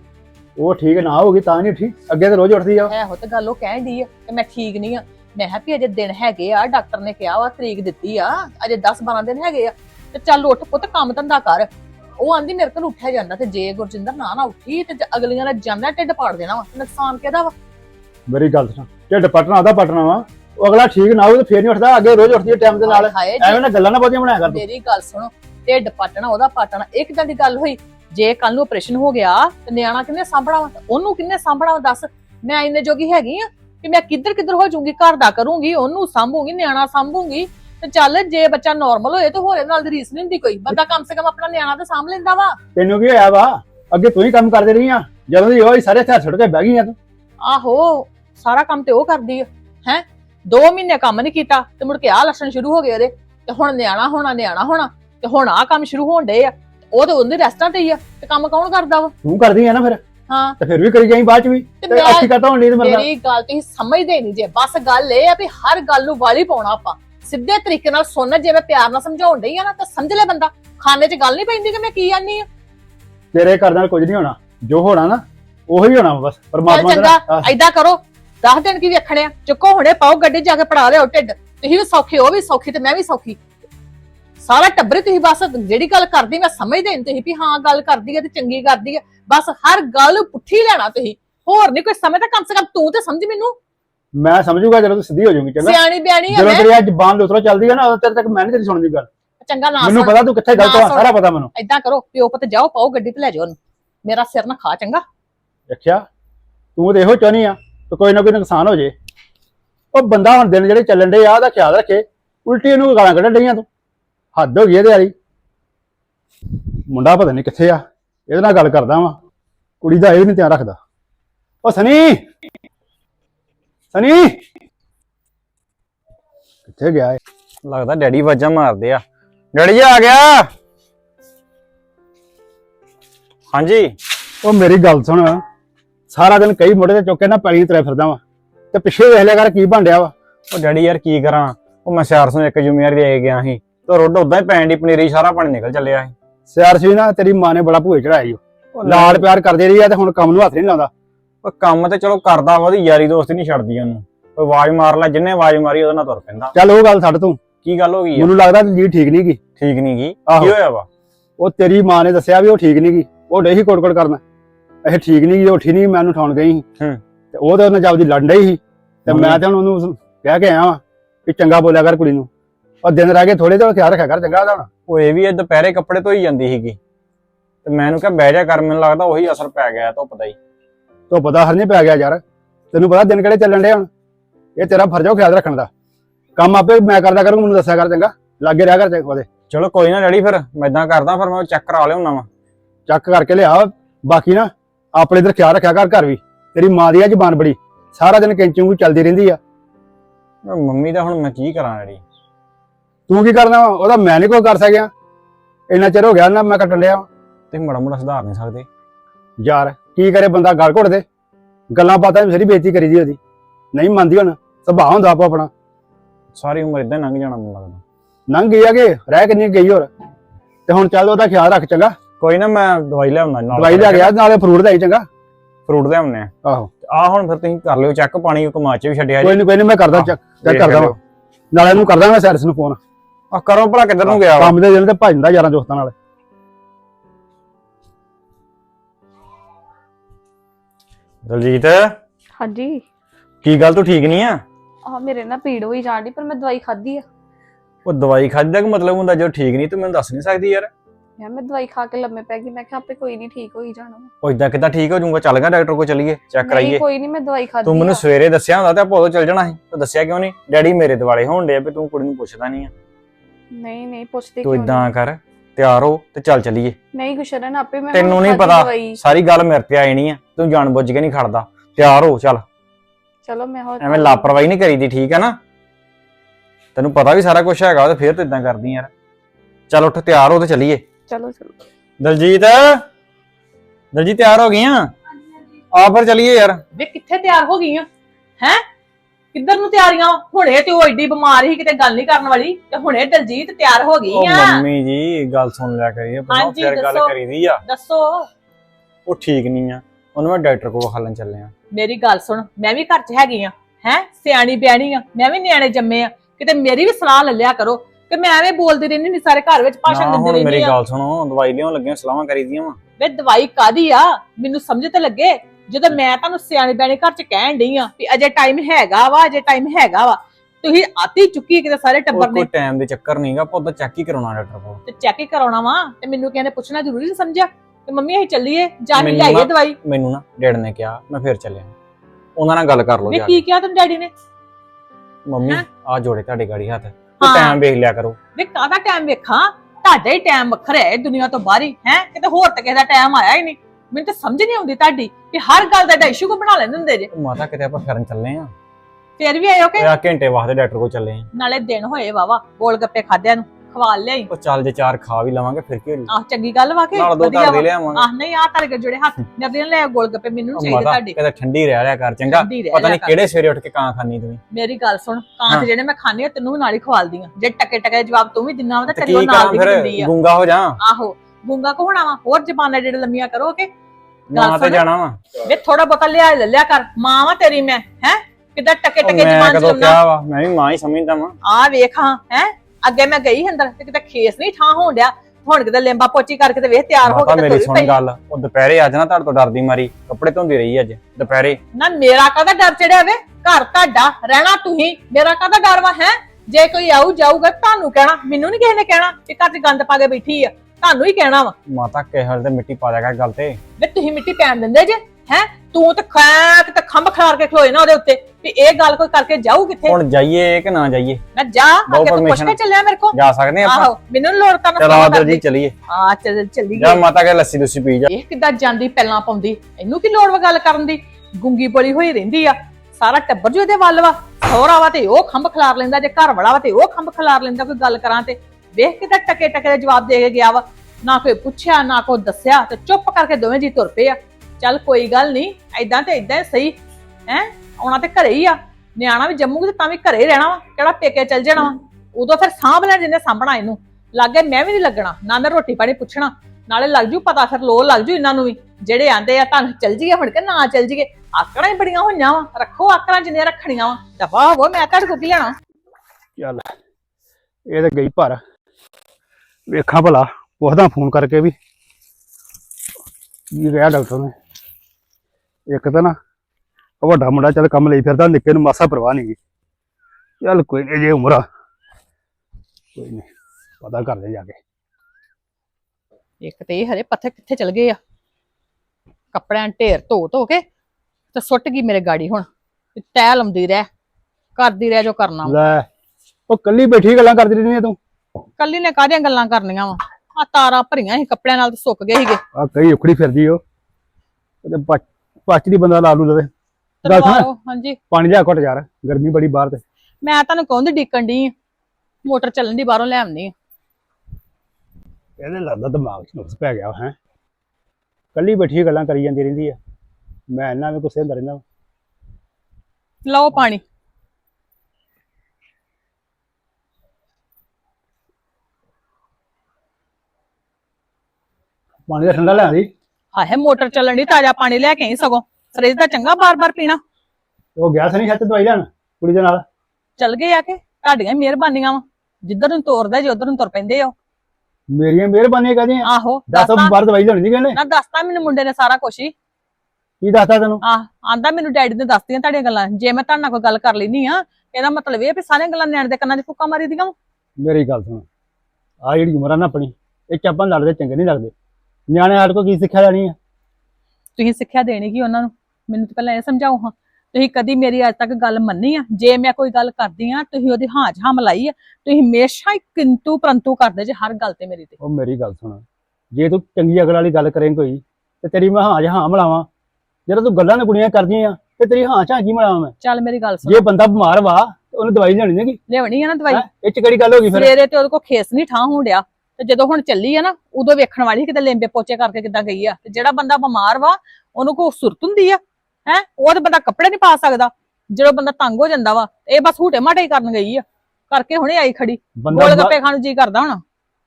S3: ਉਹ ਠੀਕ ਨਾ ਹੋਗੀ ਤਾਂ ਨਹੀਂ ਠੀਕ ਅੱਗੇ ਤੇ ਰੋਜ਼ ਉੱਠਦੀ ਆ
S1: ਇਹੋ ਤੇ ਗੱਲ ਉਹ ਕਹਿਣ ਡਈ ਆ ਕਿ ਮੈਂ ਠੀਕ ਨਹੀਂ ਆ ਮੈਂ ਕਿਹਾ ਵੀ ਅਜੇ ਦਿਨ ਹੈਗੇ ਆ ਡਾਕਟਰ ਨੇ ਕਿਹਾ ਵਾ ਤਰੀਕ ਦਿੱਤੀ ਆ ਅਜੇ ਦਸ ਬਾਰਾਂ ਦਿਨ ਹੈਗੇ ਆ ਤੇ ਚੱਲ ਉੱਠ ਪੁੱਤ ਕੰਮ ਧੰਦਾ ਕਰ ਉਹ ਆਂਦੀ ਮੇਰੇ ਕੋਲ ਉੱਠਿਆ ਜਾਂਦਾ ਤੇ ਜੇ ਗੁਰਜਿੰਦਰ ਨਾ ਨਾ ਉੱਠੀ ਤੇ ਅਗਲੀਆਂ ਨੇ ਜਾਂਦਾ ਢਿੱਡ ਪਾੜ ਦੇਣਾ ਵਾ ਨੁਕਸਾਨ ਕਿਹਦਾ ਵਾ
S3: ਮੇਰੀ ਗੱਲ ਸੁਣ ਢਿੱਡ ਪਟਣਾ ਉਹਦਾ ਪਟਣਾ ਵਾ ਉਹ ਅਗਲਾ ਠੀਕ ਨਾ ਹੋਵੇ ਤੇ ਫੇਰ ਨਹੀਂ ਉੱਠਦਾ ਅੱਗੇ ਰੋਜ਼ ਉੱਠਦੀ ਹੈ ਟਾਈਮ ਦੇ ਨਾਲ ਐਵੇਂ ਨਾ ਗੱਲਾਂ ਨਾ ਬਹੁਤੀਆਂ ਬਣਾਇਆ ਕਰ ਤੂੰ
S1: ਮੇਰੀ ਗੱਲ ਸੁਣੋ ਢਿੱਡ ਪਟਣਾ ਉਹਦਾ ਪਟਣਾ ਇੱਕ ਤਾਂ ਦੀ ਗੱਲ ਹੋਈ ਜੇ ਕੱਲ ਨੂੰ ਆਪਰੇਸ਼ਨ ਹੋ ਗਿਆ ਤੇ ਨਿਆਣਾ ਕਿੰਨੇ ਸਾਂਭਣਾ ਵਾ ਉਹਨੂੰ ਕਿੰਨੇ ਸਾਂਭਣਾ ਵਾ ਦੱਸ ਮੈਂ ਇੰਨੇ ਜੋਗੀ ਹੈਗੀ ਆ ਕਿ ਮੈਂ ਕਿੱਧਰ ਕਿੱਧਰ ਹੋ ਜਾਊਂਗੀ ਘਰ ਦਾ ਕਰੂੰਗੀ ਉਹਨੂੰ ਸਾਂਭੂਗੀ ਨਿਆਣਾ ਸਾਂਭੂਗੀ ਤੇ ਚੱਲ ਜੇ ਬੱਚਾ ਨਾਰਮਲ ਹੋਏ ਤੇ ਹੋਰੇ ਨਾਲ ਦੀ ਰੀਸ ਨਹੀਂ ਹੁੰਦੀ ਕੋਈ ਬੰਦਾ ਕਮ ਸੇ ਕਮ ਆਪਣਾ ਨਿਆਣਾ ਤਾਂ ਸਾਂਭ ਲੈਂਦਾ ਵਾ
S3: ਤੈਨੂੰ ਕੀ ਹੋਇਆ ਵਾ ਅੱਗੇ ਤੂੰ ਹੀ ਕੰਮ ਕਰਦੇ ਰਹੀ ਆ ਜਦੋਂ ਦੀ ਉਹ ਸਾਰੇ ਹੱਥ ਛੱਡ ਕੇ ਬਹਿ ਗਈ ਆ ਤੂੰ
S1: ਆਹੋ ਸਾਰਾ ਕੰਮ ਤੇ ਉਹ ਕਰਦੀ ਆ ਹੈ ਦੋ ਮਹੀਨੇ ਕੰਮ ਨਹੀਂ ਕੀਤਾ ਤੇ ਮੁੜ ਕੇ ਆਹ ਲੱਛਣ ਸ਼ੁਰੂ ਹੋ ਗਏ ਉਹਦੇ ਤੇ ਹੁਣ ਨਿਆਣਾ ਹੋਣਾ ਨਿਆਣਾ ਹੋਣਾ ਤੇ ਹੁਣ ਆਹ ਕੰਮ ਸ਼ੁਰੂ ਹੋਣ ਡੇ ਆ ਉਹ ਤੇ ਉਹਦੇ ਰੈਸਟਾਂ ਤੇ ਹੀ ਆ ਤੇ ਕੰਮ ਕੌਣ ਕਰਦਾ ਵਾ
S3: ਤੂੰ ਕਰਦੀ ਆ ਨਾ ਫਿਰ
S1: ਹਾਂ
S3: ਤੇ ਫਿਰ ਵੀ ਕਰੀ ਜਾਈ ਬਾਅਦ ਚ ਵੀ
S1: ਤੇ
S3: ਤੇ ਅੱਖੀ ਕਰਤਾ ਹੁਣ ਨੀਂਦ ਮਰਦਾ
S1: ਮੇਰੀ ਗੱਲ ਤੁਸੀਂ ਸਮਝਦੇ ਨਹੀਂ ਜੇ ਬਸ ਗੱਲ ਇਹ ਆ ਵੀ ਹਰ ਗੱਲ ਨੂੰ ਵਾਲੀ ਪਾਉਣਾ ਆਪਾਂ ਸਿੱਧੇ ਤਰੀਕੇ ਨਾਲ ਸੁਣ ਜੇ ਮੈਂ ਪਿਆਰ ਨਾਲ ਸਮਝਾਉਣ ਡਈ ਆ ਨਾ ਤਾਂ ਸਮਝ ਲੈ ਬੰਦਾ ਖਾਣੇ 'ਚ ਗੱਲ ਨਹੀਂ ਪੈਂਦੀ ਕਿ ਮੈਂ ਕੀ ਆਨੀ ਆ
S3: ਤੇਰੇ ਘਰ ਨਾਲ ਕੁਝ ਨਹੀਂ ਹੋਣਾ ਜੋ ਹੋਣਾ ਨਾ ਉਹੀ ਹੋਣਾ ਬਸ ਪਰਮਾਤਮਾ
S1: ਚੰਗਾ ਐਦਾਂ ਕਰੋ ਦਸ ਦਿਨ ਕੀ ਵੇਖਣੇ ਆ ਚੁੱਕੋ ਹੁਣੇ ਪਾਓ ਗੱਡੀ ਜਾ ਕੇ ਪੜਾ ਲਿਓ ਢਿੱਡ ਤੁਸੀਂ ਵੀ ਸੌਖੇ ਉਹ ਵੀ ਸੌਖੀ ਤੇ ਮੈਂ ਵੀ ਸੌਖੀ ਸਾਰਾ ਟੱਬਰ ਤੁਸੀਂ ਬਸ ਜਿਹੜੀ ਗੱਲ ਕਰਦੀ ਮੈਂ ਸਮਝਦੇ ਨਹੀਂ ਤੁਸੀਂ ਵੀ ਹਾਂ ਗੱਲ ਕਰਦੀ ਹੈ ਤੇ ਚੰਗੀ ਕਰਦੀ ਹੈ ਬਸ ਹਰ ਗੱਲ ਪੁੱਠੀ ਲੈਣਾ ਤੁਸੀਂ ਹੋਰ ਨਹੀਂ ਕੋਈ ਸਮਝ ਤਾਂ ਕਮ ਸੇ ਕਮ ਤੂੰ ਤੇ ਸਮਝ ਮੈਨੂੰ
S3: ਮੈਂ ਸਮਝੂਗਾ ਜਦੋਂ ਤੂੰ ਸਿੱਧੀ ਹੋ ਜਾਊਂਗੀ ਚੰਗਾ
S1: ਸਿਆਣੀ ਬਿਆਣੀ ਹੈ
S3: ਜਦੋਂ ਤੇਰੀ ਜ਼ਬਾਨ ਲੁਤਰੋ ਚੱਲਦੀ ਹੈ ਨਾ ਉਦੋਂ ਤੇਰੇ ਤੱਕ ਮੈਂ ਨਹੀਂ ਤੇਰੀ ਸੁਣਦੀ ਗੱਲ
S1: ਚੰਗਾ ਨਾ
S3: ਮੈਨੂੰ ਪਤਾ ਤੂੰ ਕਿੱਥੇ ਗਲਤ ਆ ਸਾਰਾ ਪਤਾ ਮੈਨੂੰ
S1: ਏਦਾਂ ਕਰੋ ਪਿਓ ਪੁੱਤ ਜਾਓ ਪਾਓ ਗੱਡੀ ਤੇ ਲੈ ਜਾਓ ਉਹਨੂੰ ਮੇਰਾ ਸਿਰ ਨਾ ਖਾ ਚੰਗਾ
S3: ਅੱਛਾ ਤੂੰ ਤੇ ਇਹੋ ਚਾਹਨੀ ਆ ਤੇ ਕੋਈ ਨਾ ਕੋਈ ਨੁਕਸਾਨ ਹੋ ਜੇ ਉਹ ਬੰਦਾ ਹੁਣ ਦਿਨ ਜਿਹੜੇ ਚੱਲਣ ਡੇ ਆ ਉਹਦਾ ਖਿਆਲ ਰੱਖੇ ਉਲਟੀ ਇਹਨੂੰ ਗਾਲਾਂ ਕੱਢਣ ਡਈਆਂ ਤੂੰ ਹੱਦ ਹੋ ਗਈ ਇਹਦੇ ਵਾਲੀ। ਮੁੰਡਾ ਪਤਾ ਨਹੀਂ ਕਿੱਥੇ ਆ, ਇਹਦੇ ਨਾਲ ਗੱਲ ਕਰਦਾ ਵਾਂ, ਕੁੜੀ ਦਾ ਇਹ ਵੀ ਨਹੀਂ ਧਿਆਨ ਰੱਖਦਾ। ਓ ਸਨੀ, ਸਨੀ ਕਿੱਥੇ ਗਿਆ ਏ?
S4: ਲੱਗਦਾ ਡੈਡੀ ਵਾਜਾਂ ਮਾਰਦੇ ਆ। ਡੈਡੀ ਜੀ ਆ ਗਿਆ। ਹਾਂਜੀ।
S3: ਉਹ ਮੇਰੀ ਗੱਲ ਸੁਣ, ਸਾਰਾ ਦਿਨ ਕਈ ਮੋਢੇ ਤੇ ਚੁੱਕ ਕੇ ਨਾ ਪੈਲੀ ਤੁਰਿਆ ਫਿਰਦਾ ਵਾ, ਤੇ ਪਿੱਛੇ ਵੇਖ ਲਿਆ ਕਰ ਕੀ ਬਣਿਆ ਵਾ।
S4: ਉਹ ਡੈਡੀ ਯਾਰ ਕੀ ਕਰਾਂ, ਉਹ ਮੈਂ ਚਾਰ ਸੌ ਇੱਕ ਜ਼ਿੰਮੇਵਾਰੀ ਦੇ ਕੇ ਗਿਆ ਸੀ ਤੇ ਰੋਡ ਉਦਾਂ ਹੀ ਪੈਣ ਦੀ ਪਨੀਰੀ ਸਾਰਾ ਪਾਣੀ ਨਿਕਲ ਚੱਲਿਆ ਸੀ।
S3: ਸਿਆਰ ਸੀ ਨਾ, ਤੇਰੀ ਮਾਂ ਨੇ ਬੜਾ ਭੂਏ ਚੜਾਈ ਓ।
S4: ਉਹ
S3: ਲਾਡ ਪਿਆਰ ਕਰਦੇ ਰਹੀ ਆ ਤੇ ਹੁਣ ਕੰਮ ਨੂੰ ਹੱਥ ਨਹੀਂ ਲਾਉਂਦਾ।
S4: ਉਹ ਕੰਮ ਤੇ ਚਲੋ ਕਰਦਾ ਵਾ, ਉਹਦੀ ਯਾਰੀ ਦੋਸਤੀ ਨਹੀਂ ਛੱਡਦੀ ਉਹਨੂੰ। ਕੋਈ ਆਵਾਜ਼ ਮਾਰ ਲੈ, ਜਿੰਨੇ ਆਵਾਜ਼ ਮਾਰੀ ਉਹਦੇ ਨਾਲ ਤੁਰ ਪੈਂਦਾ।
S3: ਚੱਲ ਉਹ ਗੱਲ ਛੱਡ ਤੂੰ,
S4: ਕੀ ਗੱਲ ਹੋ ਗਈ ਆ?
S3: ਮੈਨੂੰ ਲੱਗਦਾ ਜੀ ਠੀਕ ਨਹੀਂ ਗੀ।
S4: ਠੀਕ ਨਹੀਂ ਗਈ?
S3: ਆਹੋ।
S4: ਕੀ ਹੋਇਆ ਵਾ?
S3: ਉਹ ਤੇਰੀ ਮਾਂ ਨੇ ਦੱਸਿਆ ਵੀ ਉਹ ਠੀਕ ਨਹੀਂ ਗੀ, ਉਹ ਡਈ ਸੀ ਕੋੜ-ਕੋੜ ਕਰਨ, ਇਹ ਠੀਕ ਨਹੀਂ ਗੀ, ਉੱਠੀ ਨਹੀਂ, ਮੈਂ ਉਹਨੂੰ ਉਠਾਉਣ ਗਈ ਸੀ ਤੇ ਉਹ ਤੇ ਉਹਨੇ ਜਦ ਦੀ ਲੜਨ ਡਈ ਸੀ ਤੇ ਮੈਂ ਤੇ ਹੁਣ ਉਹਨੂੰ ਕਹਿ ਕੇ ਆਇਆ ਵਾਂ ਕਿ ਚੰਗਾ ਬੋਲਿਆ ਕਰ ਕੁੜੀ ਨੂੰ, ਔਰ ਦਿਨ ਰਹਿ ਗਏ ਥੋੜੇ ਤੇ ਖਿਆਲ ਰੱਖਿਆ ਕਰ ਚੰਗਾ ਉਹਦਾ। ਹੁਣ
S4: ਉਹ ਇਹ ਵੀ ਇਹ ਦੁਪਹਿਰੇ ਕੱਪੜੇ ਧੋਈ ਜਾਂਦੀ ਸੀਗੀ ਤੇ ਮੈਂ ਉਹਨੂੰ ਕਿਹਾ ਬਹਿ ਜਾ ਕਰ, ਮੈਨੂੰ ਲੱਗਦਾ ਉਹੀ ਅਸਰ ਪੈ ਗਿਆ ਧੁੱਪ ਦਾ ਹੀ।
S3: ਤੋ ਪਤਾ ਹਰ ਨਹੀਂ ਪੈ ਗਿਆ ਯਾਰ, ਤੈਨੂੰ ਪਤਾ ਦਿਨ ਕਿਹੜੇ ਚੱਲਣ ਡੇ ਹੁਣ, ਇਹ ਤੇਰਾ ਫਰਜ਼ ਆ ਖਿਆਲ ਰੱਖਣ ਦਾ। ਕੰਮ ਆਪੇ ਮੈਂ ਕਰਦਾ ਕਰੂੰ, ਮੈਨੂੰ ਦੱਸਿਆ ਕਰ ਚੰਗਾ, ਲਾਗੇ ਰਿਹਾ ਕਰ ਉਹਦੇ।
S4: ਚਲੋ ਕੋਈ ਨਾ ਡੈਡੀ, ਫਿਰ ਮੈਂ ਇਦਾਂ ਕਰਦਾ, ਫਿਰ ਮੈਂ ਚੈੱਕ ਕਰਾ ਲਿਆਉਣਾ ਵਾ।
S3: ਚੱਕ ਕਰਕੇ ਲਿਆ, ਬਾਕੀ ਨਾ ਆਪਣੇ ਇਧਰ ਖਿਆਲ ਰੱਖਿਆ ਕਰ ਘਰ ਵੀ। ਤੇਰੀ ਮਾਂ ਦੀ ਆ ਜ਼ਬਾਨ ਬੜੀ, ਸਾਰਾ ਦਿਨ ਕੈਂਚੀ ਵਾਂਗੂ ਚੱਲਦੀ ਰਹਿੰਦੀ ਆ।
S4: ਮੰਮੀ ਦਾ ਹੁਣ ਮੈਂ ਕੀ ਕਰਾਂ ਡੈਡੀ?
S3: ਤੂੰ ਕੀ ਕਰਨਾ ਵਾ? ਉਹਦਾ ਮੈਂ ਨਹੀਂ ਕੋਈ ਕਰ ਸਕਿਆ, ਇੰਨਾ ਚਿਰ ਹੋ ਗਿਆ ਨਾ ਮੈਂ ਕੱਟਣ ਲਿਆ।
S4: ਤੇ ਮਾੜਾ ਮੋੜਾ ਸੁਧਾਰ ਨਹੀਂ ਸਕਦੇ
S3: ਯਾਰ ਕੀ ਕਰੇ ਬੰਦਾ, ਗਲ ਘੁੱਟ ਦੇ, ਗੱਲਾਂ ਬਾਤਾਂ ਵਿੱਚ ਸਾਰੀ ਬੇਇੱਜ਼ਤੀ ਕਰੀ ਦੀ ਉਹਦੀ, ਨਹੀਂ ਮੰਨਦੀ। ਹੁਣ ਸੁਭਾਅ ਹੁੰਦਾ ਆਪੋ ਆਪਣਾ,
S4: ਸਾਰੀ ਉਮਰ ਇਦਾਂ ਲੰਘ ਜਾਣਾ ਮੈਨੂੰ ਲੱਗਦਾ।
S3: ਲੰਘ ਗਈ ਆ ਕਿ ਰਹਿ ਕਿੰਨੀ ਗਈ ਹੋਰ। ਤੇ ਹੁਣ ਚੱਲ ਉਹਦਾ ਖਿਆਲ ਰੱਖ ਚੰਗਾ।
S4: ਕੋਈ ਨਾ ਮੈਂ ਦਵਾਈ ਲਿਆਉਣਾ ਨਾਲ।
S3: ਦਵਾਈ ਲੈ ਗਿਆ ਨਾਲੇ ਫਰੂਟ ਲੈ ਚੰਗਾ।
S4: ਫਰੂਟ ਲਿਆਉਣੇ ਆ।
S3: ਆਹੋ
S4: ਆ ਹੁਣ ਫਿਰ ਤੁਸੀਂ ਕਰ ਲਿਓ ਚੈੱਕ, ਪਾਣੀ ਕਮਾਚ ਵੀ ਛੱਡਿਆ
S3: ਕੋਈ
S4: ਜੀ।
S3: ਨਹੀਂ ਕੋਈ ਨਹੀਂ, ਮੈਂ ਕਰਦਾ ਚੈੱਕ ਚੈੱਕ ਕਰਦਾ ਵਾ, ਨਾਲੇ ਇਹਨੂੰ ਕਰਦਾ ਮੈਂ ਸੈਰਸ ਨੂੰ ਫੋਨ।
S4: ਆ ਕਰੋ ਭਲਾ ਕਿੱਧਰ ਨੂੰ ਗਿਆ ਵਾ?
S3: ਕੰਮ ਦੇ ਦਿਨ ਤੇ ਭੱਜ ਜਾਂਦਾ ਯਾਰਾਂ ਦੋਸਤਾਂ ਨਾਲ।
S4: ਦਲਜੀਤ
S2: ਹਾਂਜੀ।
S4: ਕੀ ਗੱਲ, ਤੂੰ ਠੀਕ ਨਹੀਂ ਆ?
S2: ਆ ਮੇਰੇ ਨਾ ਪੀੜ ਹੋਈ ਜਾਂਦੀ, ਪਰ ਮੈਂ ਦਵਾਈ ਖਾਧੀ ਆ।
S4: ਉਹ ਦਵਾਈ ਖਾਦੀ ਦਾ ਕੀ ਮਤਲਬ ਹੁੰਦਾ ਜੋ ਠੀਕ ਨਹੀਂ ਤੂੰ ਮੈਨੂੰ ਦੱਸ ਨਹੀਂ ਸਕਦੀ ਯਾਰ?
S2: ਯਾਰ ਮੈਂ ਦਵਾਈ ਖਾ ਕੇ ਲੰਮੇ ਪੈ ਗਈ, ਮੈਂ ਕਿਹਾ ਆਪੇ ਕੋਈ ਨਹੀਂ ਠੀਕ ਹੋਈ ਜਾਣਾ।
S4: ਉਹ ਇਦਾਂ ਕਿੱਦਾਂ ਠੀਕ ਹੋ ਜਾਊਗਾ? ਚੱਲ ਗਾ ਡਾਕਟਰ ਕੋਲ ਚੱਲੀਏ, ਚੈੱਕ ਕਰਾਈਏ।
S2: ਨਹੀਂ ਕੋਈ ਨਹੀਂ, ਮੈਂ ਦਵਾਈ ਖਾਧੀ।
S4: ਤੂੰ ਮੈਨੂੰ ਸਵੇਰੇ ਦੱਸਿਆ ਹੁੰਦਾ ਤੇ ਆਪਾਂ ਉਦੋਂ ਚੱਲ ਜਾਣਾ ਸੀ, ਤੂੰ ਦੱਸਿਆ ਕਿਉਂ ਨਹੀਂ? ਡੈਡੀ ਮੇਰੇ ਦਿਵਾਲੇ ਹੋਣ ਡੇ ਵੀ ਤੂੰ ਕੁੜੀ ਨੂੰ ਪੁੱਛਦਾ ਨਹੀਂ ਆ।
S2: ਨਹੀਂ ਨਹੀਂ ਪੁੱਛਦੇ
S4: ਤੂੰ
S2: ਕਿਉਂ
S4: ਇਦਾਂ ਕਰ, ਤਿਆਰ ਹੋ ਤੇ ਚੱਲ ਚੱਲੀਏ।
S2: ਨਹੀਂ ਗੁਸ਼ਰਨ ਆਪੇ ਮੈਂ
S4: ਤੈਨੂੰ ਨਹੀਂ ਪਤਾ, ਸਾਰੀ ਗੱਲ ਮੇਰੇ ਤੇ ਆਈ ਨਹੀਂ ਆ, ਤੂੰ ਜਾਣ ਬੁੱਝ ਕੇ ਨਹੀਂ ਖੜਦਾ। ਤਿਆਰ ਹੋ ਚੱਲ,
S2: ਚਲੋ ਮੈਂ ਹੋਰ
S4: ਐਵੇਂ ਲਾਪਰਵਾਹੀ ਨਹੀਂ ਕਰੀਦੀ, ਠੀਕ ਹੈ ਨਾ? ਤੈਨੂੰ ਪਤਾ ਵੀ ਸਾਰਾ ਕੁਝ ਹੈਗਾ ਤੇ ਫਿਰ ਤੂੰ ਇਦਾਂ ਕਰਦੀ ਯਾਰ। ਚੱਲ ਉੱਠ, ਤਿਆਰ ਹੋ ਤੇ ਚੱਲੀਏ।
S2: ਚਲੋ ਚਲੋ।
S4: ਦਲਜੀਤ, ਦਲਜੀਤ ਤਿਆਰ ਹੋ ਗਈਆਂ? ਆ ਫਿਰ ਚੱਲੀਏ ਯਾਰ।
S1: ਵੇ ਕਿੱਥੇ ਤਿਆਰ ਹੋ ਗਈਆਂ ਹੈ? ਕਿੱਧਰ ਨੂੰ ਤਿਆਰੀਆਂ? ਹੁਣੇ ਤੇ ਉਹ ਐਡੀ ਬਿਮਾਰ ਸੀ ਕਿਤੇ ਗੱਲ ਨਹੀਂ ਕਰਨ ਵਾਲੀ, ਤੇ ਹੁਣੇ ਦਲਜੀਤ ਤਿਆਰ ਹੋ ਗਈ
S4: ਉਹ
S1: ਆ।
S4: ਮੰਮੀ ਜੀ ਗੱਲ ਸੁਣ ਲਿਆ ਕਰੀਏ, ਪਹਿਲਾਂ
S1: ਹਾਂਜੀ,
S4: ਫਿਰ ਗੱਲ
S1: ਦੱਸੋ।
S4: ਕਰੀਦੀ ਆ।
S1: ਦੱਸੋ।
S4: ਉਹ ਠੀਕ ਨਹੀਂ ਆ, ਉਹਨੂੰ ਮੈਂ ਡਾਕਟਰ ਕੋਲ ਵਿਖਾਲਣ ਚੱਲੇ ਆ।
S1: ਮੇਰੀ ਗੱਲ ਸੁਣ, ਮੈਂ ਵੀ ਘਰ 'ਚ ਹੈਗੀ ਆ, ਹੈ ਸਿਆਣੀ ਬਿਆਣੀ ਆ, ਮੈਂ ਵੀ ਨਿਆਣੇ ਜੰਮੇ ਆ, ਕਿਤੇ ਮੇਰੀ ਵੀ ਸਲਾਹ ਲੈ ਲਿਆ ਕਰੋ ਕਿ ਮੈਂ ਐਵੇਂ ਬੋਲਦੀ ਰਹਿੰਦੀ ਨਹੀਂ ਸਾਰੇ ਘਰ ਵਿੱਚ ਭਾਸ਼ਣ
S4: ਨਾ
S1: ਦਿੰਦੀ
S4: ਹੁਣ
S1: ਰਹਿੰਦੀ
S4: ਮੇਰੀ
S1: ਆ।
S4: ਗੱਲ ਸੁਣੋ, ਦਵਾਈ ਲਿਆਉਣ ਲੱਗੀਆਂ ਸਲਾਹਾਂ ਕਰੀਦੀਆਂ ਵਾ।
S1: ਵੇ ਦਵਾਈ ਕਾਦੀ ਆ, ਮੈਨੂੰ ਸਮਝ ਤੇ ਲੱਗੇ। ਜਦੋਂ ਮੈਂ ਤੁਹਾਨੂੰ ਸਿਆਣੀ ਬਿਆਣੀ ਘਰ 'ਚ ਕਹਿਣ ਡਈ ਆ ਵੀ ਅਜੇ ਟਾਈਮ ਹੈਗਾ ਵਾ, ਅਜੇ ਟਾਈਮ ਹੈਗਾ ਵਾ, ਤੁਸੀਂ ਆਤੀ ਚੁੱਕੀ ਕਿਤੇ ਸਾਰੇ ਟੱਬਰ ਨੇ।
S4: ਕੋਈ ਟਾਈਮ ਦੇ ਚੱਕਰ ਨਹੀਂਗਾ, ਆਪਾਂ ਉਹਦਾ ਚੈੱਕ ਹੀ ਕਰਾਉਣਾ ਡਾਕਟਰ ਕੋਲ।
S1: ਤੇ ਚੈੱਕ ਹੀ ਕਰਾਉਣਾ ਵਾ, ਤੇ ਮੈਨੂੰ ਕਹਿੰਦੇ ਪੁੱਛਣਾ ਜ਼ਰੂਰੀ ਨਹੀਂ ਸਮਝਿਆ ਕਿ ਮੰਮੀ ਅਸੀਂ ਚੱਲੀਏ ਜਾਂ
S4: ਮੈਨੂੰ
S1: ਲਿਆਈਏ
S4: ਨਾ-
S1: ਦਵਾਈ?
S4: ਮੈਨੂੰ ਨਾ ਡੈਡ ਨੇ ਕਿਹਾ, ਮੈਂ ਫਿਰ ਚੱਲਿਆ। ਉਹਨਾਂ ਨਾਲ ਗੱਲ ਕਰ ਲਓ
S1: ਵੇ
S4: ਜਾ
S1: ਕੀ
S4: ਕੇ।
S1: ਕਿਹਾ ਤੈਨੂੰ ਡੈਡੀ ਨੇ?
S4: ਮੰਮੀ
S1: ਹੈਂ?
S4: ਆ ਜੋੜੇ ਤੁਹਾਡੇ ਗਾੜੀ ਹੱਥ,
S1: ਹਾਂ।
S4: ਟਾਈਮ ਵੇਖ ਲਿਆ ਕਰੋ।
S1: ਵੇ ਕਾਹਦਾ ਟਾਈਮ ਵੇਖਾਂ? ਤੁਹਾਡਾ ਹੀ ਟਾਈਮ ਵੱਖਰਾ ਹੈ ਦੁਨੀਆ ਤੋਂ ਬਾਹਰੀ, ਹੈ ਕਿਤੇ ਹੋਰ ਤਾਂ ਕਿਸੇ ਦਾ ਟਾਈਮ ਆਇਆ ਹੀ ਨਹੀਂ। ਮੈਨੂੰ ਤਾਂ ਸਮਝ ਨਹੀਂ ਆਉਂਦੀ ਤੁਹਾਡੀ ਕਿ ਹਰ ਗੱਲ ਦਾ ਇਸ਼ੂ ਕੋ ਬਣਾ ਲੈਂਦੇ ਹੁੰਦੇ ਜੇ।
S4: ਉਹ ਮਾਤਾ ਕਿਤੇ ਆਪਾਂ ਫਿਰਨ ਚੱਲੇ ਆ,
S1: ਫੇਰ ਵੀ ਆਇਓ ਕਿ
S4: ਆ ਘੰਟੇ ਵਾਸਤੇ ਡਾਕਟਰ ਕੋਲ ਚੱਲੇ ਆ।
S1: ਨਾਲੇ ਦਿਨ ਹੋਏ ਵਾਵਾ ਗੋਲ ਗੱਪੇ ਖਾਦਿਆਂ ਨੂੰ, ਖਵਾ ਲਿਆਈ।
S4: ਉਹ ਚੱਲ ਜੇ ਚਾਰ ਖਾ ਵੀ ਲਵਾਂਗੇ ਫਿਰ ਕੀ ਹੋ ਜੂ?
S1: ਆਹ ਚੰਗੀ ਗੱਲ ਵਾ ਕਿ
S4: ਨਾਲ ਦੋ
S1: ਵਧੀਆ
S4: ਧਰ ਦੇ
S1: ਵਾ।
S4: ਲਿਆਵਾਂਗੇ।
S1: ਆਹ ਨਹੀਂ, ਆਹ ਤੁਹਾਡੇ ਜਿਹੜੇ ਹੱਥ ਮੇਰੇ ਨਾਲ ਲੈ ਗੋਲ ਗੱਪੇ ਮੈਨੂੰ ਨੀ
S4: ਉਹ
S1: ਚਾਹੀਦੇ
S4: ਮਾਤਾ
S1: ਤੁਹਾਡੇ।
S4: ਕਿਤੇ ਠੰਡੀ ਰਹਿ ਲਿਆ ਕਰ ਚੰਗਾ,
S1: ਠੰਡੀ ਰਹਿ
S4: ਪਤਾ
S1: ਲਿਆ
S4: ਨਹੀਂ
S1: ਕਰ।
S4: ਕਿਹੜੇ ਸਵੇਰੇ ਉੱਠ ਕੇ ਕਾਂ ਖਾਣੀ ਤੁਸੀਂ।
S1: ਮੇਰੀ ਗੱਲ ਸੁਣ, ਕਾਂ
S4: ਹਾਂ।
S1: ਤੇ ਜਿਹੜੇ ਮੈਂ ਖਾਣੀ ਆ ਤੈਨੂੰ ਵੀ ਨਾਲ ਹੀ ਖਵਾਲਦੀ ਆ। ਜੇ ਟਕੇ ਟਕੇ ਜਵਾਬ ਤੂੰ ਵੀ ਦਿਨਾ ਵਾ ਤਾਂ
S4: ਤੇ
S1: ਤੇਰੀ ਉਹ
S4: ਕੀ
S1: ਨਾਲ
S4: ਕਰਾਂ
S1: ਦੀ ਵੀ ਦਿੰਦੀ
S4: ਫਿਰ,
S1: ਆ।
S4: ਗੁੰਗਾ ਹੋ ਜਾ?
S1: ਆਹੋ ਗੁੰਗਾ ਕੋ ਹੋਣਾ ਵਾ, ਹੋਰ ਜ਼ਬਾਨਾਂ ਜਿਹੜੇ ਲੰਮੀਆਂ ਕਰੋ ਕਿ
S4: ਨਾ ਤੇ
S1: ਸੁਣ।
S4: ਜਾਣਾ ਵਾ।
S1: ਵੇ ਥੋੜਾ ਬਹੁਤਾ ਲਿਆ ਲੈ ਲਿਆ ਕਰ, ਮਾਂ ਵਾ ਤੇਰੀ ਮੈਂ, ਹੈ ਕਿੱਦਾਂ ਟਕੇ
S4: ਉਹ
S1: ਟਕੇ
S4: ਮੈਂ
S1: ਜ਼ਬਾਨ
S4: ਕਦੋਂ
S1: ਚਲਾਉਣਾ।
S4: ਕਿਹਾ ਵਾ, ਮੈਂ ਵੀ ਮਾਂ ਹੀ ਸਮਝਦਾ ਵਾਂ।
S1: ਆ ਵੇਖ ਹਾਂ, ਹੈ ਅੱਗੇ ਮੈਂ ਗਈ ਅੰਦਰ ਤੇ ਕਿਤੇ ਖੇਸ ਨਹੀਂ ਠਾਂ ਹੋਣ ਡਿਆ, ਹੁਣ ਕਿਤੇ ਲਿੰਬਾ ਪੋਚੀ ਕਰਕੇ ਤੇ ਵੇਖ ਤਿਆਰ ਹੋ
S4: ਮਾਤਾ
S1: ਕੇ ਤੇ
S4: ਮੇਰੀ
S1: ਤੁਰ
S4: ਸੁਣ
S1: ਪਈ।
S4: ਗੱਲ, ਉਹ ਦੁਪਹਿਰੇ ਅੱਜ ਨਾ ਤੁਹਾਡੇ ਤੋਂ ਡਰਦੀ ਮਾਰੀ ਕੱਪੜੇ ਧੋਂਦੀ ਰਹੀ ਅੱਜ ਦੁਪਹਿਰੇ।
S1: ਨਾ ਮੇਰਾ ਕਾਹਦਾ ਡਰ ਚੜਿਆ ਵੇ? ਘਰ ਤੁਹਾਡਾ ਰਹਿਣਾ ਤੁਸੀਂ, ਮੇਰਾ ਕਾਹਦਾ ਡਰ ਵਾ? ਹੈ ਜੇ ਕੋਈ ਆਊ ਜਾਊਗਾ ਤੁਹਾਨੂੰ ਕਹਿਣਾ, ਮੈਨੂੰ ਨਹੀਂ ਕਿਸੇ ਨੇ ਕਹਿਣਾ ਕਿ ਘਰ 'ਚ ਗੰਦ ਪਾ ਕੇ ਬੈਠੀ ਆ, ਤੁਹਾਨੂੰ ਹੀ ਕਹਿਣਾ ਵਾ।
S4: ਮਾਤਾ ਕਿਸੇ ਹਾਲ ਤੇ ਮਿੱਟੀ ਪਾ ਦਿਆ ਕਰ ਗੱਲ ਤੇ।
S1: ਵੇ ਤੁਸੀਂ ਮਿੱਟੀ ਪੈਣ ਦਿੰਦੇ ਜੇ? ਹੈ ਤੂੰ ਤੇ ਖੈਕ ਤੇ ਖੰਭ ਖਿਲਾਰ ਕੇ ਖਲੋਏ ਨਾ ਉਹਦੇ ਉੱਤੇ ਵੀ ਇਹ ਗੱਲ ਕੋਈ ਕਰਕੇ ਜਾਊ ਕਿੱਥੇ।
S4: ਹੁਣ ਜਾਈਏ ਕਿ ਨਾ ਜਾਈਏ?
S1: ਨਾ ਜਾ
S4: ਬਹੁਤ
S1: ਅੱਗੇ ਤੂੰ ਪੁੱਛ
S4: permission
S1: ਕੇ ਚੱਲਿਆ ਮੇਰੇ ਕੋਲ।
S4: ਜਾ ਸਕਦੇ ਆਪਾਂ?
S1: ਆਹੋ ਮੈਨੂੰ ਨੀ ਲੋੜ ਤਾਂ
S4: ਚਲ ਆ ਦਲਜੀਤ ਚਲੀਏ।
S1: ਹਾਂ ਚੱਲ ਚੱਲੀ
S4: ਜਾ ਮਾਤਾ ਕੇ ਲੱਸੀ ਲੁੱਸੀ ਪੀ ਜਾ।
S1: ਇਹ ਕਿੱਦਾਂ ਜਾਂਦੀ ਪਹਿਲਾਂ ਪਾਉਂਦੀ, ਇਹਨੂੰ ਕੀ ਲੋੜ ਵਾ ਗੱਲ ਕਰਨ ਦੀ? ਗੁੰਗੀ ਬੋਲੀ ਹੋਈ ਰਹਿੰਦੀ ਆ, ਸਾਰਾ ਟੱਬਰ ਜੋ ਇਹਦੇ ਵੱਲ ਵਾ। ਸਹੁਰਾ ਵਾ ਤੇ ਉਹ ਖੰਭ ਖਿਲਾਰ ਲੈਂਦਾ, ਜੇ ਘਰ ਵਾਲਾ ਵਾ ਤੇ ਉਹ ਖੰਭ ਖਿਲਾਰ ਲੈਂਦਾ। ਕੋਈ ਗੱਲ ਕਰਾਂ ਤੇ ਵੇਖ ਕਿਦਾਂ ਟਕੇ ਟਕੇ ਦੇ ਜਵਾਬ ਦੇ ਕੇ ਗਿਆ ਵਾ। ਨਾ ਕੋਈ ਪੁੱਛਿਆ ਨਾ ਕੋਈ ਦੱਸਿਆ ਤੇ ਚੁੱਪ ਕਰਕੇ ਦੋਵੇਂ ਜੀ ਤੁਰ ਪਏ ਆ। ਚੱਲ ਕੋਈ ਗੱਲ ਨਹੀਂ, ਏਦਾਂ ਤੇ ਏਦਾਂ ਸਹੀ ਹੈ। ਆਉਣਾ ਤੇ ਘਰੇ ਹੀ ਆ, ਨਿਆਣਾ ਵੀ ਜੰਮੂਗੀ ਤੇ ਤਾਂ ਵੀ ਘਰੇ ਹੀ ਰਹਿਣਾ ਵਾ, ਕਿਹੜਾ ਪੇਕੇ ਚੱਲ ਜਾਣਾ ਵਾ। ਉਦੋਂ ਫਿਰ ਸਾਂਭ ਲੈ ਜਿੰਨੇ ਸਾਂਭਣਾ ਇਹਨੂੰ। ਲਾਗੇ ਮੈਂ ਵੀ ਨਹੀਂ ਲੱਗਣਾ, ਨਾ ਮੈਂ ਰੋਟੀ ਪਾਣੀ ਪੁੱਛਣਾ। ਨਾਲੇ ਲੱਗ ਜੂ ਪਤਾ, ਫਿਰ ਲੋ ਲੱਗ ਜੂ ਇਹਨਾਂ ਨੂੰ ਵੀ, ਜਿਹੜੇ ਆਂਦੇ ਆ ਤੁਹਾਨੂੰ ਚੱਲ ਜੀਏ ਹੁਣ ਕੇ ਨਾ ਚੱਲ ਜੀਏ। ਆਕੜਾਂ ਹੀ ਬੜੀਆਂ ਹੋਈਆਂ ਵਾ, ਰੱਖੋ ਆਕੜਾਂ ਜਿੰਨੀਆਂ ਰੱਖਣੀਆਂ ਵਾ। ਦਫਾ ਹੋ, ਮੈਂ ਤੁਹਾਡੇ ਕੋਲ ਕੀ ਲੈਣਾ।
S3: ਚੱਲ ਇਹ ਤਾਂ ਗਈ ਪਰ ਵੇਖਾਂ ਭਲਾ, ਪੁੱਛਦਾ ਫੋਨ ਕਰਕੇ ਵੀ ਕੀ ਰਿਹਾ ਡਾਕਟਰ ਨੇ। ਇੱਕ ਤਾਂ ਨਾ ਉਹ ਵੱਡਾ ਮੁੰਡਾ ਚੱਲ ਕੰਮ ਲਈ ਫਿਰਦਾ, ਨਿੱਕੇ ਨੂੰ ਮਾਸਾ ਪਰਵਾਹ ਨਹੀਂ ਗੀ। ਚੱਲ ਕੋਈ ਨਹੀਂ, ਜੇ ਉਮਰ ਆ ਕੋਈ ਨਹੀਂ, ਪਤਾ ਕਰਦੇ ਜਾ ਕੇ।
S1: ਇੱਕ ਤੇ ਇਹ ਹਰੇ ਪੱਥੇ ਕਿੱਥੇ ਚਲ ਗਏ ਆ, ਕੱਪੜਿਆਂ ਢੇਰ ਧੋ ਧੋ ਕੇ ਤੇ ਸੁੱਟ ਗਈ ਮੇਰੇ ਗਾੜੀ। ਹੁਣ ਤੈ ਲਾਉਂਦੀ ਰਹਿ, ਕਰਦੀ ਰਹਿ ਜੋ ਕਰਨਾ ਵਾ।
S3: ਲੈ ਉਹ ਕੱਲੀ ਬੈਠੀ ਗੱਲਾਂ ਕਰਦੀ ਰਹਿੰਦੀ ਆ ਤੂੰ।
S1: ਕੱਲੀ ਨੇ ਕਾਹਦੀਆਂ ਗੱਲਾਂ ਕਰਨੀਆਂ ਵਾ, ਆ ਤਾਰਾਂ ਭਰੀਆਂ ਸੀ ਕੱਪੜਿਆਂ ਨਾਲ ਤੇ ਸੁੱਕ ਗਏ ਸੀਗੇ।
S3: ਆ ਕਈ ਉਖੜੀ ਫਿਰਦੀ ਉਹ ਤੇ ਪੱਚ ਦੀ ਬੰਦਾ ਲਾ ਲੂ ਲਵੇ। ਗੱਲ ਸੁਣ,
S1: ਕਰਵਾਓ ਹਾਂਜੀ।
S3: ਪਾਣੀ ਲਿਆ ਘੁੱਟ ਯਾਰ, ਗਰਮੀ ਬੜੀ ਬਾਹਰ ਤੇ।
S1: ਮੈਂ ਤੁਹਾਨੂੰ ਕਹਿੰਦੀ ਡੀਕਣ ਦੀ ਆ, ਮੋਟਰ ਚੱਲਣ ਦੀ ਬਾਹਰੋਂ ਲੈ ਆਉਂਦੀ ਆ।
S3: ਇਹਦੇ ਲੱਗਦਾ ਦਿਮਾਗ 'ਚ ਨੁਕਸ ਪੈ ਗਿਆ ਹੈ। ਕੱਲੀ ਬੈਠੀ ਗੱਲਾਂ ਕਰੀ ਜਾਂਦੀ ਰਹਿੰਦੀ ਆ, ਮੈਂ ਇਹਨਾਂ ਵੀ ਗੁੱਸੇ ਹੁੰਦਾ ਰਹਿੰਦਾ।
S1: ਲਓ ਪਾਣੀ।
S3: ਪਾਣੀ ਦਾ ਠੰਡਾ ਲਿਆਂਦੀ।
S1: ਹਾਏ ਮੋਟਰ ਚੱਲਣ ਦੀ, ਤਾਜ਼ਾ ਪਾਣੀ ਲੈ ਕੇ ਆਈ ਸਗੋਂ। ਫਰਿੱਜ ਦਾ ਚੰਗਾ ਬਾਰ-ਬਾਰ ਪੀਣਾ।
S3: ਉਹ ਗਿਆ ਸੀ ਨਹੀਂ ਛੱਤ ਦਵਾਈ ਲੈਣ ਕੁੜੀ ਦੇ ਨਾਲ।
S1: ਚੱਲ ਗਏ ਆ ਕੇ, ਤੁਹਾਡੀਆਂ ਮਿਹਰਬਾਨੀਆਂ ਵਾ, ਜਿੱਧਰ ਨੂੰ ਤੋਰਦਾ ਜੀ ਉਧਰ ਨੂੰ ਤੁਰ ਪੈਂਦੇ ਆ।
S3: ਮੇਰੀਆਂ ਮਿਹਰਬਾਨੀਆਂ ਕਾਹਦੀਆਂ?
S1: ਆਹੋ
S3: ਦੱਸ
S1: ਦੱਸਤਾ
S3: ਬਾਹਰ ਦਵਾਈ ਲੈਣੀ ਸੀ ਕਹਿੰਦੇ।
S1: ਨਾ, ਦੱਸਤਾ ਮੈਨੂੰ ਮੁੰਡੇ ਨੇ ਸਾਰਾ ਕੁਛ ਹੀ।
S3: ਕੀ ਦੱਸਤਾ ਤੈਨੂੰ?
S1: ਆਹ ਆਂਦਾ ਮੈਨੂੰ ਡੈਡੀ ਨੇ ਦੱਸਤੀਆਂ ਤੁਹਾਡੀਆਂ ਗੱਲਾਂ। ਜੇ ਮੈਂ ਤੁਹਾਡੇ ਨਾਲ ਕੋਈ ਗੱਲ ਕਰ ਲੈਣੀ ਆ, ਇਹਦਾ ਮਤਲਬ ਇਹ ਵੀ ਸਾਰੀਆਂ ਗੱਲਾਂ ਨਿਆਣੇ ਦੇ ਕੰਨਾਂ 'ਚ ਫੁੱਕਾਂ ਮਾਰੀ ਦੀਆਂ।
S3: ਮੇਰੀ ਗੱਲ ਸੁਣ, ਆ ਜਿਹੜੀ ਉਮਰ ਆ ਨਾ ਆਪਣੀ, ਇਹ 'ਚ ਆਪਾਂ ਲੜਦੇ ਚੰਗੇ ਨਹੀਂ ਲੱਗਦੇ। ਨਿਆਣੇ ਸਾਡੇ ਕੋਲ ਕੀ ਸਿੱਖਿਆ ਲੈਣੀ ਆ?
S1: ਤੁਸੀਂ ਸਿੱਖਿਆ ਦੇਣੀ ਕੀ ਉਹਨਾਂ ਨੂੰ? ਮੈਨੂੰ ਤਾਂ ਪਹਿਲਾਂ ਇਹ ਸਮਝਾਓ ਹਾਂ। ਤੁਸੀਂ ਕਦੀ ਮੇਰੀ ਅੱਜ ਤੱਕ ਗੱਲ ਮੰਨੀ ਆ? ਜੇ ਮੈਂ ਕੋਈ ਗੱਲ ਕਰਦੀ ਆ ਤੁਸੀਂ ਉਹਦੀ ਹਾਂ 'ਚ ਹਾਂ ਮਲਾਈ ਆ। ਤੁਸੀਂ ਹਮੇਸ਼ਾ ਹੀ ਕਿੰਤੂ ਪਰੰਤੂ ਕਰਦੇ ਜੇ ਹਰ ਗੱਲ ਤੇ ਮੇਰੀ ਤੇ।
S3: ਉਹ ਮੇਰੀ ਗੱਲ ਸੁਣ, ਜੇ ਤੂੰ ਚੰਗੀ ਅਕਲ ਵਾਲੀ ਗੱਲ ਕਰੇਂ ਕੋਈ ਤੇ ਤੇਰੀ ਮੈਂ ਹਾਂ 'ਚ ਹਾਂ ਮਿਲਾਵਾਂ। ਜਦੋਂ ਤੂੰ ਗੱਲਾਂ ਨੇ ਕੁੜੀਆਂ ਕਰਦੀਆਂ ਤੇ ਤੇਰੀ ਹਾਂ 'ਚ ਹਾਂ ਕੀ ਮਿਲਾਵਾਂ ਮੈਂ?
S1: ਚੱਲ ਮੇਰੀ ਗੱਲ ਸੁਣ,
S3: ਜੇ ਬੰਦਾ ਬਿਮਾਰ ਵਾ ਤੇ ਉਹਨੂੰ ਦਵਾਈ ਲੈਣੀ ਨਹੀਂਗੀ।
S1: ਲਿਆਉਣੀ ਆ ਨਾ ਦਵਾਈ।
S3: ਇਹ 'ਚ ਕਿਹੜੀ ਗੱਲ ਹੋ ਗਈ ਫਿਰ?
S1: ਸਵੇਰੇ ਤੇ ਉਹਦੇ ਕੋਲ ਖੇਸ ਨਹੀਂ ਠਾਂ ਹੋਣ ਡਿਆ, ਤੇ ਜਦੋਂ ਹੁਣ ਚੱਲੀ ਆ ਨਾ ਉਦੋਂ ਵੇਖਣ ਵਾਲੀ ਕਿਤੇ ਲੇਂਬੇ ਪੋਚੇ ਕਰਕੇ ਕਿੱਦਾਂ ਗਈ ਆ। ਤੇ ਜਿਹੜਾ ਬੰਦਾ ਬਿਮਾਰ ਵਾ ਉਹਨੂੰ ਕੋਈ ਸੁਰਤ ਹੁੰਦੀ ਆ ਹੈ? ਉਹ ਤੇ ਬੰਦਾ ਕੱਪੜੇ ਨਹੀਂ ਪਾ ਸਕਦਾ। ਜਦੋਂ ਬੰਦਾ ਤੰਗ ਹੋ ਜਾਂਦਾ ਵਾ, ਇਹ ਬਸ ਹੂਟੇ ਮਾਟੇ ਹੀ ਕਰਨ ਗਈ ਆ, ਕਰਕੇ ਹੁਣੇ ਆਈ ਖੜੀ। ਗੋਲ ਗੱਪੇ ਖਾਣ ਨੂੰ ਜੀ ਕਰਦਾ ਹੁਣ।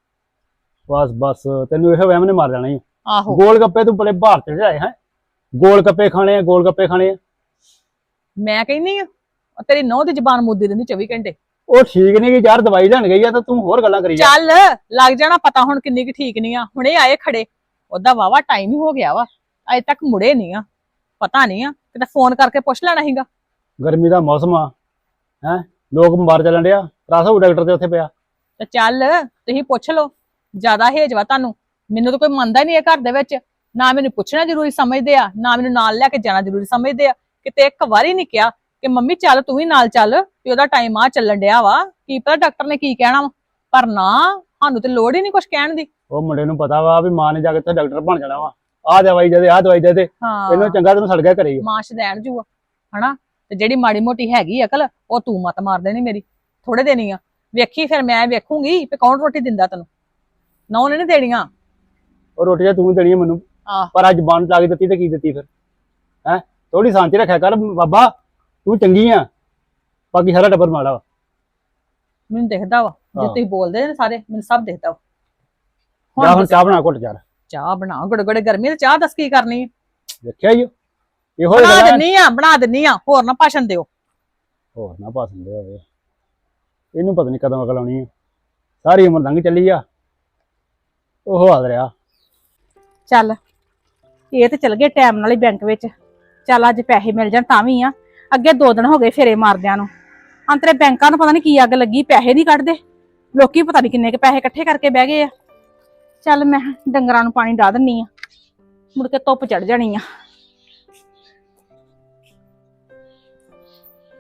S3: ਬਸ ਬਸ ਤੈਨੂੰ ਇਹੋ ਵਹਿਮ ਨੇ ਮਾਰ ਜਾਣਾ ਹੀ।
S1: ਆਹੋ
S3: ਗੋਲ ਗੱਪੇ ਤੂੰ ਬੜੇ ਭਾਰਤ ਚ ਆਏ ਹੈ। ਗੋਲ ਗੱਪੇ ਖਾਣੇ ਆ, ਗੋਲ ਗੱਪੇ ਖਾਣੇ ਆ।
S1: ਮੈਂ ਕਹਿੰਨੀ ਆ ਤੇਰੀ ਨਹੁੰ ਦੀ ਜ਼ਬਾਨ ਮੁੱਦੀ ਰਹਿੰਦੀ ਚੌਵੀ ਘੰਟੇ।
S3: ਉਹ ਠੀਕ ਨਹੀਂ ਕਿ ਯਾਰ ਦਵਾਈ ਲੈਣ ਗਈ ਆ ਤਾਂ ਤੂੰ ਹੋਰ ਗੱਲਾਂ ਕਰੀ ਜਾ।
S1: ਚੱਲ ਲੱਗ ਜਾਣਾ ਪਤਾ ਹੁਣ ਕਿੰਨੀ ਕੁ ਠੀਕ ਨਹੀਂ ਆ। ਹੁਣੇ ਆਏ ਖੜੇ, ਉਹਦਾ ਵਾਵਾ ਟਾਈਮ ਹੀ ਹੋ ਗਿਆ ਵਾ, ਅਜੇ ਤੱਕ ਮੁੜੇ ਨਹੀਂ ਆ। ਪਤਾ ਨਹੀਂ ਆ, ਕਿਤੇ ਫੋਨ ਕਰਕੇ ਪੁੱਛ ਲੈਣਾ ਸੀਗਾ।
S3: ਗਰਮੀ ਦਾ ਮੌਸਮ ਆ ਹੈ, ਲੋਕ ਬਿਮਾਰ ਚੱਲਣ ਡਿਆ। ਰਸ ਹੋ ਡਾਕਟਰ ਤੇ ਉੱਥੇ ਪਿਆ।
S1: ਤੇ ਚੱਲ ਤੁਸੀਂ ਪੁੱਛ ਲਓ, ਜ਼ਿਆਦਾ ਹੇਜ ਵਾ ਤੁਹਾਨੂੰ। ਮੈਨੂੰ ਤਾਂ ਕੋਈ ਮੰਨਦਾ ਨਹੀਂ ਇਹ ਘਰ ਦੇ ਵਿੱਚ। ਨਾ ਮੈਨੂੰ ਪੁੱਛਣਾ ਜ਼ਰੂਰੀ ਸਮਝਦੇ ਆ, ਨਾ ਮੈਨੂੰ ਨਾਲ ਲੈ ਕੇ ਜਾਣਾ ਜ਼ਰੂਰੀ ਸਮਝਦੇ ਆ। ਕਿਤੇ ਇੱਕ ਵਾਰੀ ਨਹੀਂ ਕਿਹਾ ਕਿ ਮੰਮੀ ਚੱਲ ਤੂੰ ਵੀ ਨਾਲ ਚੱਲ, ਵੀ ਉਹਦਾ ਟਾਈਮ ਆ ਚੱਲਣ ਡਿਆ ਵਾ, ਕੀ ਪਤਾ ਡਾਕਟਰ ਨੇ ਕੀ ਕਹਿਣਾ ਵਾ। ਪਰ ਨਾ, ਸਾਨੂੰ ਤੇ ਲੋੜ ਹੀ ਨਹੀਂ ਕੁਝ ਕਹਿਣ ਦੀ।
S3: ਉਹ ਮੁੰਡੇ ਨੂੰ ਪਤਾ ਵਾ ਵੀ ਮਾਂ ਨੇ ਜਾ ਕੇ ਉੱਥੇ ਡਾਕਟਰ ਬਣ ਜਾਣਾ ਵਾ। ਆਹ ਦਵਾਈ ਦੇ ਦੇ, ਆਹ ਦਵਾਈ ਦੇ ਦੇ।
S1: ਹਾਂ
S3: ਇਹਨੂੰ ਚੰਗਾ ਤੈਨੂੰ ਸੜ ਗਿਆ ਘਰੇ ਹੀ।
S1: ਮਾਂ ਸ਼ਦੈਣ ਜੂਆ ਹਨਾ। ਤੇ ਜਿਹੜੀ ਮਾੜੀ ਮੋਟੀ ਹੈਗੀ ਅਕਲ ਉਹ ਤੂੰ ਮਤ ਮਾਰ ਦੇਣੀ ਮੇਰੀ, ਥੋੜੇ ਦੇਣੀ ਆ। ਵੇਖੀ ਫਿਰ ਮੈਂ ਵੇਖੂੰਗੀ ਵੀ ਕੌਣ ਰੋਟੀ ਦਿੰਦਾ ਤੈਨੂੰ। ਨਾ ਉਹਨੇ ਨੀ ਦੇਣੀਆਂ।
S3: ਉਹ ਰੋਟੀਆਂ ਤੂੰ ਦੇਣੀ ਮੈਨੂੰ,
S1: ਆਹ
S3: ਪਰ ਅੱਜ ਬੰਦ ਲਾ ਕੇ ਦਿੱਤੀ ਤੇ ਕੀ ਦਿੱਤੀ ਫਿਰ ਹੈ? ਥੋੜੀ ਸ਼ਾਂਤੀ ਰੱਖਿਆ ਕਰ ਬਾਬਾ, ਤੂੰ ਚੰਗੀ ਆ, ਬਾਕੀ ਸਾਰਾ ਟੱਬਰ ਮਾੜਾ ਵਾ।
S1: ਮੈਨੂੰ ਦਿਖਦਾ ਵਾ, ਜੇ ਤੁਸੀਂ ਬੋਲਦੇ ਨੇ ਸਾਰੇ ਮੈਨੂੰ ਸਭ ਦਿਖਦਾ ਵਾ।
S3: ਜਾ ਹੁਣ ਚਾਹ ਬਣਾ ਘੁੱਟ ਯਾਰ।
S1: ਚਾਹ ਬਣਾ, ਗੜੇ ਗੜੇ ਗਰਮੀ ਤੇ ਚਾਹ ਦੱਸ ਕੀ ਕਰਨੀ।
S3: ਦੇਖਿਆ ਹੀ ਇਹੋ
S1: ਬਣਾ
S3: ਗੱਲਾਂ।
S1: ਦਿੰਨੀ ਆ ਬਣਾ ਦਿੰਨੀ ਆ, ਹੋਰ ਨਾ ਭਾਸ਼ਣ ਦਿਓ।
S3: ਹੋਰ ਨਾ ਪਸੰਦ ਹੋਵੇ ਇਹਨੂੰ, ਪਤਾ ਨਹੀਂ ਕਦੋਂ ਅਕਲ ਆਉਣੀ ਆ। ਸਾਰੀ ਉਮਰ ਲੰਘ ਚੱਲੀ ਆ, ਉਹ ਹਾਲ ਰਿਹਾ।
S5: ਚੱਲ ਇਹ ਤੇ ਚਲ ਗਏ ਟਾਈਮ ਨਾਲ ਹੀ ਬੈਂਕ ਵਿੱਚ। ਚੱਲ ਅੱਜ ਪੈਸੇ ਮਿਲ ਜਾਣ ਤਾਂ ਵੀ ਆ। ਅੱਗੇ ਦੋ ਦਿਨ ਹੋ ਗਏ ਫੇਰੇ ਮਾਰਦਿਆਂ ਨੂੰ। ਅੰਤਰੇ ਬੈਂਕਾਂ ਨੂੰ ਪਤਾ ਨਹੀਂ ਕੀ ਅੱਗ ਲੱਗੀ, ਪੈਸੇ ਨਹੀਂ ਕੱਢਦੇ ਲੋਕੀ। ਪਤਾ ਨਹੀਂ ਕਿੰਨੇ ਕੇ ਪੈਸੇ ਇਕੱਠੇ ਕਰਕੇ ਬਹਿ ਗਏ ਆ। ਚੱਲ ਮੈਂ ਡੰਗਰਾਂ ਨੂੰ ਪਾਣੀ ਡਾ ਦਿੰਨੀ ਆ, ਮੁੜ ਕੇ ਧੁੱਪ ਚੜ ਜਾਣੀ ਆ।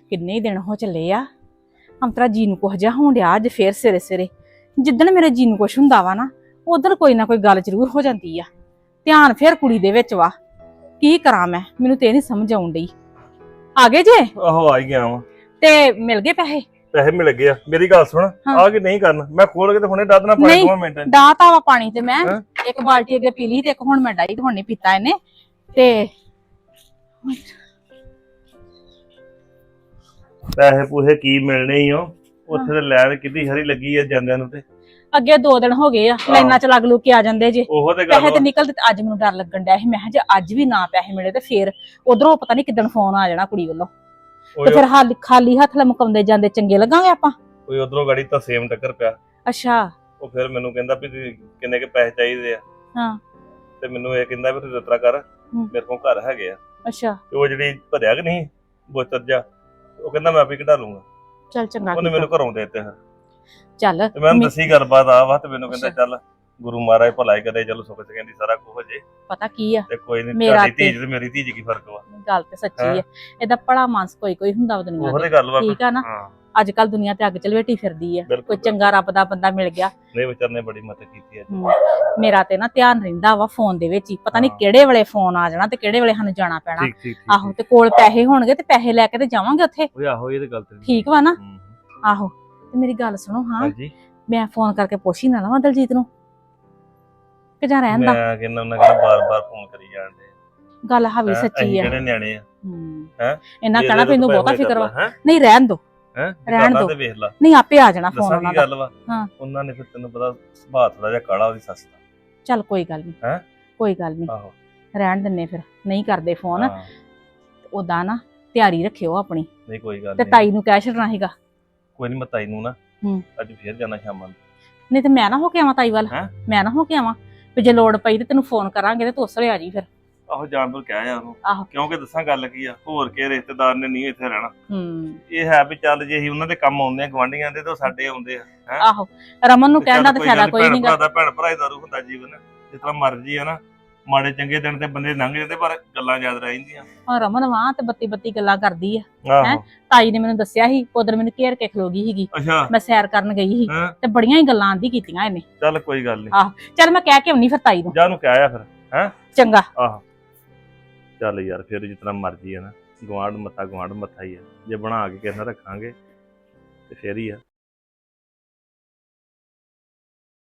S5: ਕਿੰਨੇ ਹੀ ਦਿਨ ਹੋ ਚੱਲੇ ਆ ਅੰਤਰਾ ਜੀ ਨੂੰ ਕੁਝ ਜਿਹਾ ਹੋਣ ਡਿਆ ਅੱਜ ਫੇਰ ਸਵੇਰੇ ਸਵੇਰੇ। ਜਿੱਦਣ ਮੇਰੇ ਜੀ ਨੂੰ ਕੁਛ ਹੁੰਦਾ ਵਾ ਨਾ ਉਧਰ ਕੋਈ ਨਾ ਕੋਈ ਗੱਲ ਜ਼ਰੂਰ ਹੋ ਜਾਂਦੀ ਆ। ਧਿਆਨ ਫੇਰ ਕੁੜੀ ਦੇ ਵਿੱਚ ਵਾ। ਕੀ ਕਰਾਂ ਮੈਂ, ਮੈਨੂੰ ਤੇ ਇਹ ਨਹੀਂ ਸਮਝ ਆਉਣ ਡਈ। ਆ ਗਏ ਜੇ
S6: ਆਹੋ ਆ ਹੀ ਗਿਆ ਵਾ।
S5: ਤੇ ਮਿਲ ਗਏ ਪੈਸੇ?
S6: ਪੈਸੇ ਮਿਲ ਗਏ ਆ। ਮੇਰੀ ਗੱਲ ਸੁਣ,
S5: ਹਾਂ।
S6: ਆ ਕੇ ਨਹੀਂ ਕਰਨਾ, ਮੈਂ ਖੋਲ ਕੇ ਤੇ ਹੁਣੇ ਡੱਦ ਨਾ ਪਾਈ
S5: ਨਹੀਂ।
S6: ਦੋ ਮਿੰਟਾਂ ਚ।
S5: ਡਾਤਾ ਵਾ ਪਾਣੀ ਤੇ ਮੈਂ
S6: ਹੈਂ?
S5: ਇੱਕ ਬਾਲਟੀ ਅੱਗੇ ਪੀ ਲਈ ਤੇ ਇੱਕ ਹੁਣ ਮੈਂ ਡਾਈ ਤੇ ਹੁਣ ਨਹੀਂ ਪੀਤਾ ਇਹਨੇ। ਤੇ
S6: ਪੈਸੇ ਪੂਸੇ ਕੀ ਮਿਲਣੇ ਹੀ ਹੋ, ਉੱਥੇ ਤੇ ਲੈਣ ਕਿੱਡੀ ਹਰੀ ਲੱਗੀ ਆ ਜਾਂਦਿਆਂ ਨੂੰ। ਤੇ
S5: ਅੱਗੇ ਦੋ ਦਿਨ ਹੋ ਗਏ ਆ ਲਾਈਨਾਂ ਚ ਲੱਗ ਲੂ ਕੇ ਆ ਜਾਂਦੇ ਜੇ।
S6: ਉਹੋ ਤੇ ਗੱਲ
S5: ਪੈਸੇ ਤੇ
S6: ਵਾ।
S5: ਨਿਕਲਦੇ ਤੇ ਅੱਜ ਮੈਨੂੰ ਡਰ ਲੱਗਣ ਡਿਆ ਸੀ। ਮੈਂ ਕਿਹਾ ਜੇ ਅੱਜ ਵੀ ਨਾ ਪੈਸੇ ਮਿਲੇ ਤੇ ਫੇਰ ਉਧਰੋਂ ਪਤਾ ਨਹੀਂ ਕਿੱਦਣ ਫੋਨ ਆ ਜਾਣਾ ਕੁੜੀ ਵੱਲੋਂ ਤੇ
S6: ਓਏ
S5: ਫਿਰ ਹਾਲ ਖਾਲੀ ਹੱਥ ਲਮਕਾਉਂਦੇ ਜਾਂਦੇ ਚੰਗੇ ਲੱਗਾਂਗੇ ਆਪਾਂ।
S6: ਕੋਈ ਉਧਰੋਂ ਗਾੜੀ ਤਾਂ ਸੇਮ ਟੱਕਰ ਪਿਆ।
S5: ਅੱਛਾ।
S6: ਉਹ ਫਿਰ ਮੈਨੂੰ ਕਹਿੰਦਾ ਵੀ ਤੁਸੀਂ ਕਿੰਨੇ ਕੇ ਪੈਸੇ ਚਾਹੀਦੇ ਆ।
S5: ਹਾਂ।
S6: ਤੇ ਮੈਨੂੰ ਇਹ ਕਹਿੰਦਾ ਵੀ ਤੂੰ ਜਿਤਨਾ ਕਰ,
S5: ਹੂੰ।
S6: ਮੇਰੇ ਕੋਲ ਘਰ ਹੈਗੇ ਆ।
S5: ਅੱਛਾ
S6: ਤੇ ਉਹ ਜਿਹੜੀ ਭਰਿਆ ਕਿ ਨਹੀਂ ਬੋਤਲ ਜਾ, ਉਹ ਕਹਿੰਦਾ ਮੈਂ ਆਪੇ ਕਢਾ ਲੂੰਗਾ।
S5: ਚੱਲ ਚੰਗਾ
S6: ਉਹਨੇ
S5: ਕੀਤਾ।
S6: ਮੈਨੂੰ ਘਰੋਂ ਦੇ ਦਿੱਤੇ। ਫਿਰ
S5: ਚੱਲ
S6: ਤੇ ਮੈਂ ਉਹਨੂੰ
S5: ਮੇ-
S6: ਦੱਸੀ ਗੱਲਬਾਤ ਆ ਵਾ, ਤੇ ਮੈਨੂੰ ਕਹਿੰਦਾ
S5: ਅੱਛਾ।
S6: ਚੱਲ ਗੁਰੂ ਮਹਾਰਾਜ ਭਲਾਈ ਕਰੇ, ਚਲੋ ਸੁੱਖ ਚ ਕਹਿੰਦੀ ਸਾਰਾ ਕੁਝ ਹੋ ਜੇ।
S5: ਪਤਾ ਕੀ ਆ
S6: ਤੇ ਕੋਈ ਨਹੀਂ,
S5: ਮੇਰਾ
S6: ਤੁਹਾਡੀ
S5: ਤੇ-
S6: ਧੀ ਤੇ ਮੇਰੀ ਧੀ ਚ ਕੀ ਫਰਕ ਵਾ।
S5: ਗੱਲ ਤੇ ਸੱਚੀ
S6: ਹੈਂ?
S5: ਆ। ਇਹਦਾ ਭਲਾ ਮਾਨਸ ਕੋਈ ਕੋਈ ਹੁੰਦਾ ਵਾ ਦੁਨੀਆ
S6: ਉਹੋ
S5: ਤੇ।
S6: ਤੇ ਗੱਲ ਵਾ।
S5: ਠੀਕ ਆ ਨਾ।
S6: ਹਾਂ
S5: ਅੱਜ ਕੱਲ ਦੁਨੀਆ ਤੇ ਅੱਗ ਚਲਵੇਟੀ ਫਿਰਦੀ ਆ।
S6: ਬਿਲਕੁਲ,
S5: ਕੋਈ ਚੰਗਾ ਰੱਬ ਦਾ ਬੰਦਾ ਮਿਲ ਗਿਆ।
S6: ਨਹੀਂ ਵਿਚਾਰ ਨੇ ਬੜੀ ਮਦਦ ਕੀਤੀ ਹੈ।
S5: ਹਮ, ਮੇਰਾ ਤੇ ਨਾ ਧਿਆਨ ਰਹਿੰਦਾ ਵਾ ਫੋਨ ਦੇ ਵਿੱਚ ਹੀ। ਪਤਾ ਨਹੀਂ
S6: ਹਾਂ।
S5: ਕਿਹੜੇ ਵੇਲੇ ਫੋਨ ਆ ਜਾਣਾ ਤੇ ਕਿਹੜੇ ਵੇਲੇ ਸਾਨੂੰ ਜਾਣਾ ਪੈਣਾ।
S6: ਠੀਕ ਠੀਕ ਠੀਕ।
S5: ਆਹੋ ਤੇ ਕੋਲ ਪੈਸੇ ਹੋਣਗੇ ਤੇ ਪੈਸੇ ਲੈ ਕੇ ਤੇ ਜਾਵਾਂਗੇ ਉੱਥੇ।
S6: ਓਏ ਆਹੋ ਇਹ ਤੇ ਗੱਲ ਤੇ
S5: ਠੀਕ ਵਾ ਨਾ।
S6: ਹੂੰ।
S5: ਆਹੋ ਤੇ ਮੇਰੀ ਗੱਲ ਸੁਣੋ ਹਾਂ,
S6: ਹਾਂਜੀ।
S5: ਮੈਂ ਫੋਨ ਕਰਕੇ ਪੁੱਛ ਹੀ ਨਾ ਲਵਾਂ ਦਲਜੀਤ ਨੂੰ ਕਿ ਜਾਂ ਰਹਿਣ ਦਾ।
S6: ਮੈਂ ਕਹਿੰਦਾ ਉਹਨਾਂ ਕਹਿੰਦਾ ਬਾਰ-ਬਾਰ ਫੋਨ ਕਰੀ ਜਾਂਦੇ।
S5: ਗੱਲ ਹਾਵੀ ਸੱਚੀ ਆ।
S6: ਜਿਹੜੇ ਨਿਆਣੇ ਆ।
S5: ਹਮ,
S6: ਹੈਂ?
S5: ਇਹਨਾਂ ਕਹਿਣਾ ਮੈਨੂੰ ਬਹੁਤਾ ਫਿਕਰ ਵਾ।
S6: ਹੈ
S5: ਨਹੀਂ ਰਹਿਣ ਦੋ,
S6: ਹੈ
S5: ਰਹਿਣ ਦਿਓ।
S6: ਤੇ ਵੇਖ ਲਾ।
S5: ਨਹੀਂ ਆਪੇ ਆ ਜਾਣਾ ਫੋਨ
S6: ਦੱਸਾਂ
S5: ਉਹਨਾਂ
S6: ਕੀ
S5: ਦਾ।
S6: ਗੱਲ ਵਾ।
S5: ਹਾਂ।
S6: ਉਹਨਾਂ ਨੇ ਫਿਰ ਤੈਨੂੰ ਪਤਾ ਸੁਭਾਅ ਥੋੜਾ ਜਿਹਾ ਕਾਲਾ ਉਹਦੀ ਸੱਸ ਦਾ।
S5: ਚੱਲ ਕੋਈ ਗੱਲ ਨਹੀਂ।
S6: ਹੈਂ?
S5: ਕੋਈ ਗੱਲ ਨਹੀਂ,
S6: ਆਹੋ।
S5: ਰਹਿਣ ਦਿੰਨੇ ਫਿਰ। ਨਹੀਂ ਕਰਦੇ ਫੋਨ
S6: ਹਾਂ,
S5: ਉਦਾਂ ਨਾ ਤਿਆਰੀ ਰੱਖਿਓ ਆਪਣੀ।
S6: ਨਹੀਂ ਕੋਈ ਗੱਲ
S5: ਤੇ
S6: ਨਹੀਂ।
S5: ਤਾਈ ਨੂੰ ਕਹਿ ਛੱਡਣਾ ਸੀਗਾ।
S6: ਕੋਈ ਨਹੀਂ, ਮੈਂ ਤਾਈ ਨੂੰ ਨਾ
S5: ਹੂੰ।
S6: ਅੱਜ ਫੇਰ ਜਾਣਾ ਸ਼ਾਮਾਂ ਨੂੰ।
S5: ਨਹੀਂ ਤੇ ਮੈਂ ਨਾ ਹੋ ਕੇ ਆਵਾਂ ਤਾਈ ਵੱਲ।
S6: ਹੈਂ?
S5: ਮੈਂ ਨਾ ਹੋ ਕੇ ਆਵਾਂ ਵੀ ਜੇ ਲੋੜ ਪਈ ਤੇ ਤੈਨੂੰ ਫੋਨ ਕਰਾਂਗੇ ਤੇ ਤੂੰ ਉਸਲੇ ਆ ਜੀ ਫਿਰ।
S6: ਆਹੋ ਜਾਣ ਤੋਂ ਕਹਿ ਆ ਉਹਨੂੰ।
S5: ਆਹੋ।
S6: ਕਿਉਂਕਿ ਦੱਸਾਂ ਗੱਲ ਕੀ ਆ, ਹੋਰ ਕੇ ਰਿਸ਼ਤੇਦਾਰ ਨੇ ਨਹੀਂ ਇੱਥੇ ਰਹਿਣਾ।
S5: ਹੂੰ।
S6: ਇਹ ਹੈ ਵੀ ਚੱਲ ਜੇ ਅਸੀਂ ਉਹਨਾਂ ਦੇ ਕੰਮ ਆਉਂਦੇ ਆ ਗਵਾਂਢੀਆਂ ਦੇ, ਤੇ ਉਹ ਸਾਡੇ ਆਉਂਦੇ ਆ। ਹੈਂ?
S5: ਆਹੋ ਰਮਨ ਨੂੰ
S6: ਤੇ ਚੱਲ
S5: ਕਹਿਣ ਦਾ ਤੇ
S6: ਕੋਈ
S5: ਫਾਇਦਾ
S6: ਗੱਲ ਨੀ,
S5: ਕੋਈ
S6: ਭੈਣ
S5: ਨਹੀਂਗਾ।
S6: ਭਰਾ ਦਾ ਭੈਣ ਭਰਾ ਹੀ ਦਾਰੂ ਹੁੰਦਾ ਜੀਵਨ। ਜਿਸ ਤਰ੍ਹਾਂ ਮਰਜ਼ੀ ਆ ਨਾ, ਮਾੜੇ ਚੰਗੇ ਦਿਨ ਤੇ ਬੰਦੇ ਲੰਘ ਜਾਂਦੇ ਪਰ ਗੱਲਾਂ ਯਾਦ ਰਹਿ ਜਾਂਦੀਆਂ।
S5: ਹਾਂ ਰਮਨ ਵਾਂ ਤੇ ਬੱਤੀ ਬੱਤੀ ਗੱਲਾਂ ਕਰਦੀ ਆ।
S6: ਆਹੋ।
S5: ਤਾਈ ਨੇ ਮੈਨੂੰ ਦੱਸਿਆ ਸੀ ਉਧਰ ਮੈਨੂੰ ਘੇਰ ਕੇ ਖਲੋ ਗਈ ਸੀਗੀ।
S6: ਅੱਛਾ।
S5: ਮੈਂ ਸੈਰ ਕਰਨ ਗਈ ਸੀ
S6: ਹੈਂ?
S5: ਤੇ ਬੜੀਆਂ ਹੀ ਗੱਲਾਂ ਆਂਦੀ ਕੀਤੀਆਂ ਇਹਨੇ।
S6: ਚੱਲ ਕੋਈ ਗੱਲ ਨਹੀਂ,
S5: ਆਹੋ ਚੱਲ ਮੈਂ ਕਹਿ ਕੇ ਆਉਣੀ ਫਿਰ ਤਾਈ ਨੂੰ।
S6: ਜਾ ਨੂੰ ਕਹਿ ਆ ਫਿਰ।
S5: ਚੰਗਾ।
S6: ਆਹੋ ਚੱਲ ਯਾਰ, ਫਿਰ ਜਿਸ ਤਰ੍ਹਾਂ ਮਰਜ਼ੀ ਆ ਨਾ, ਗਵਾਂਢ ਮੱਥਾ ਗਵਾਂਢ ਮੱਥਾ ਹੀ ਆ। ਜੇ ਬਣਾ ਕੇ ਕਿਸੇ ਨਾਲ ਰੱਖਾਂਗੇ ਤੇ ਫੇਰ ਹੀ ਆ।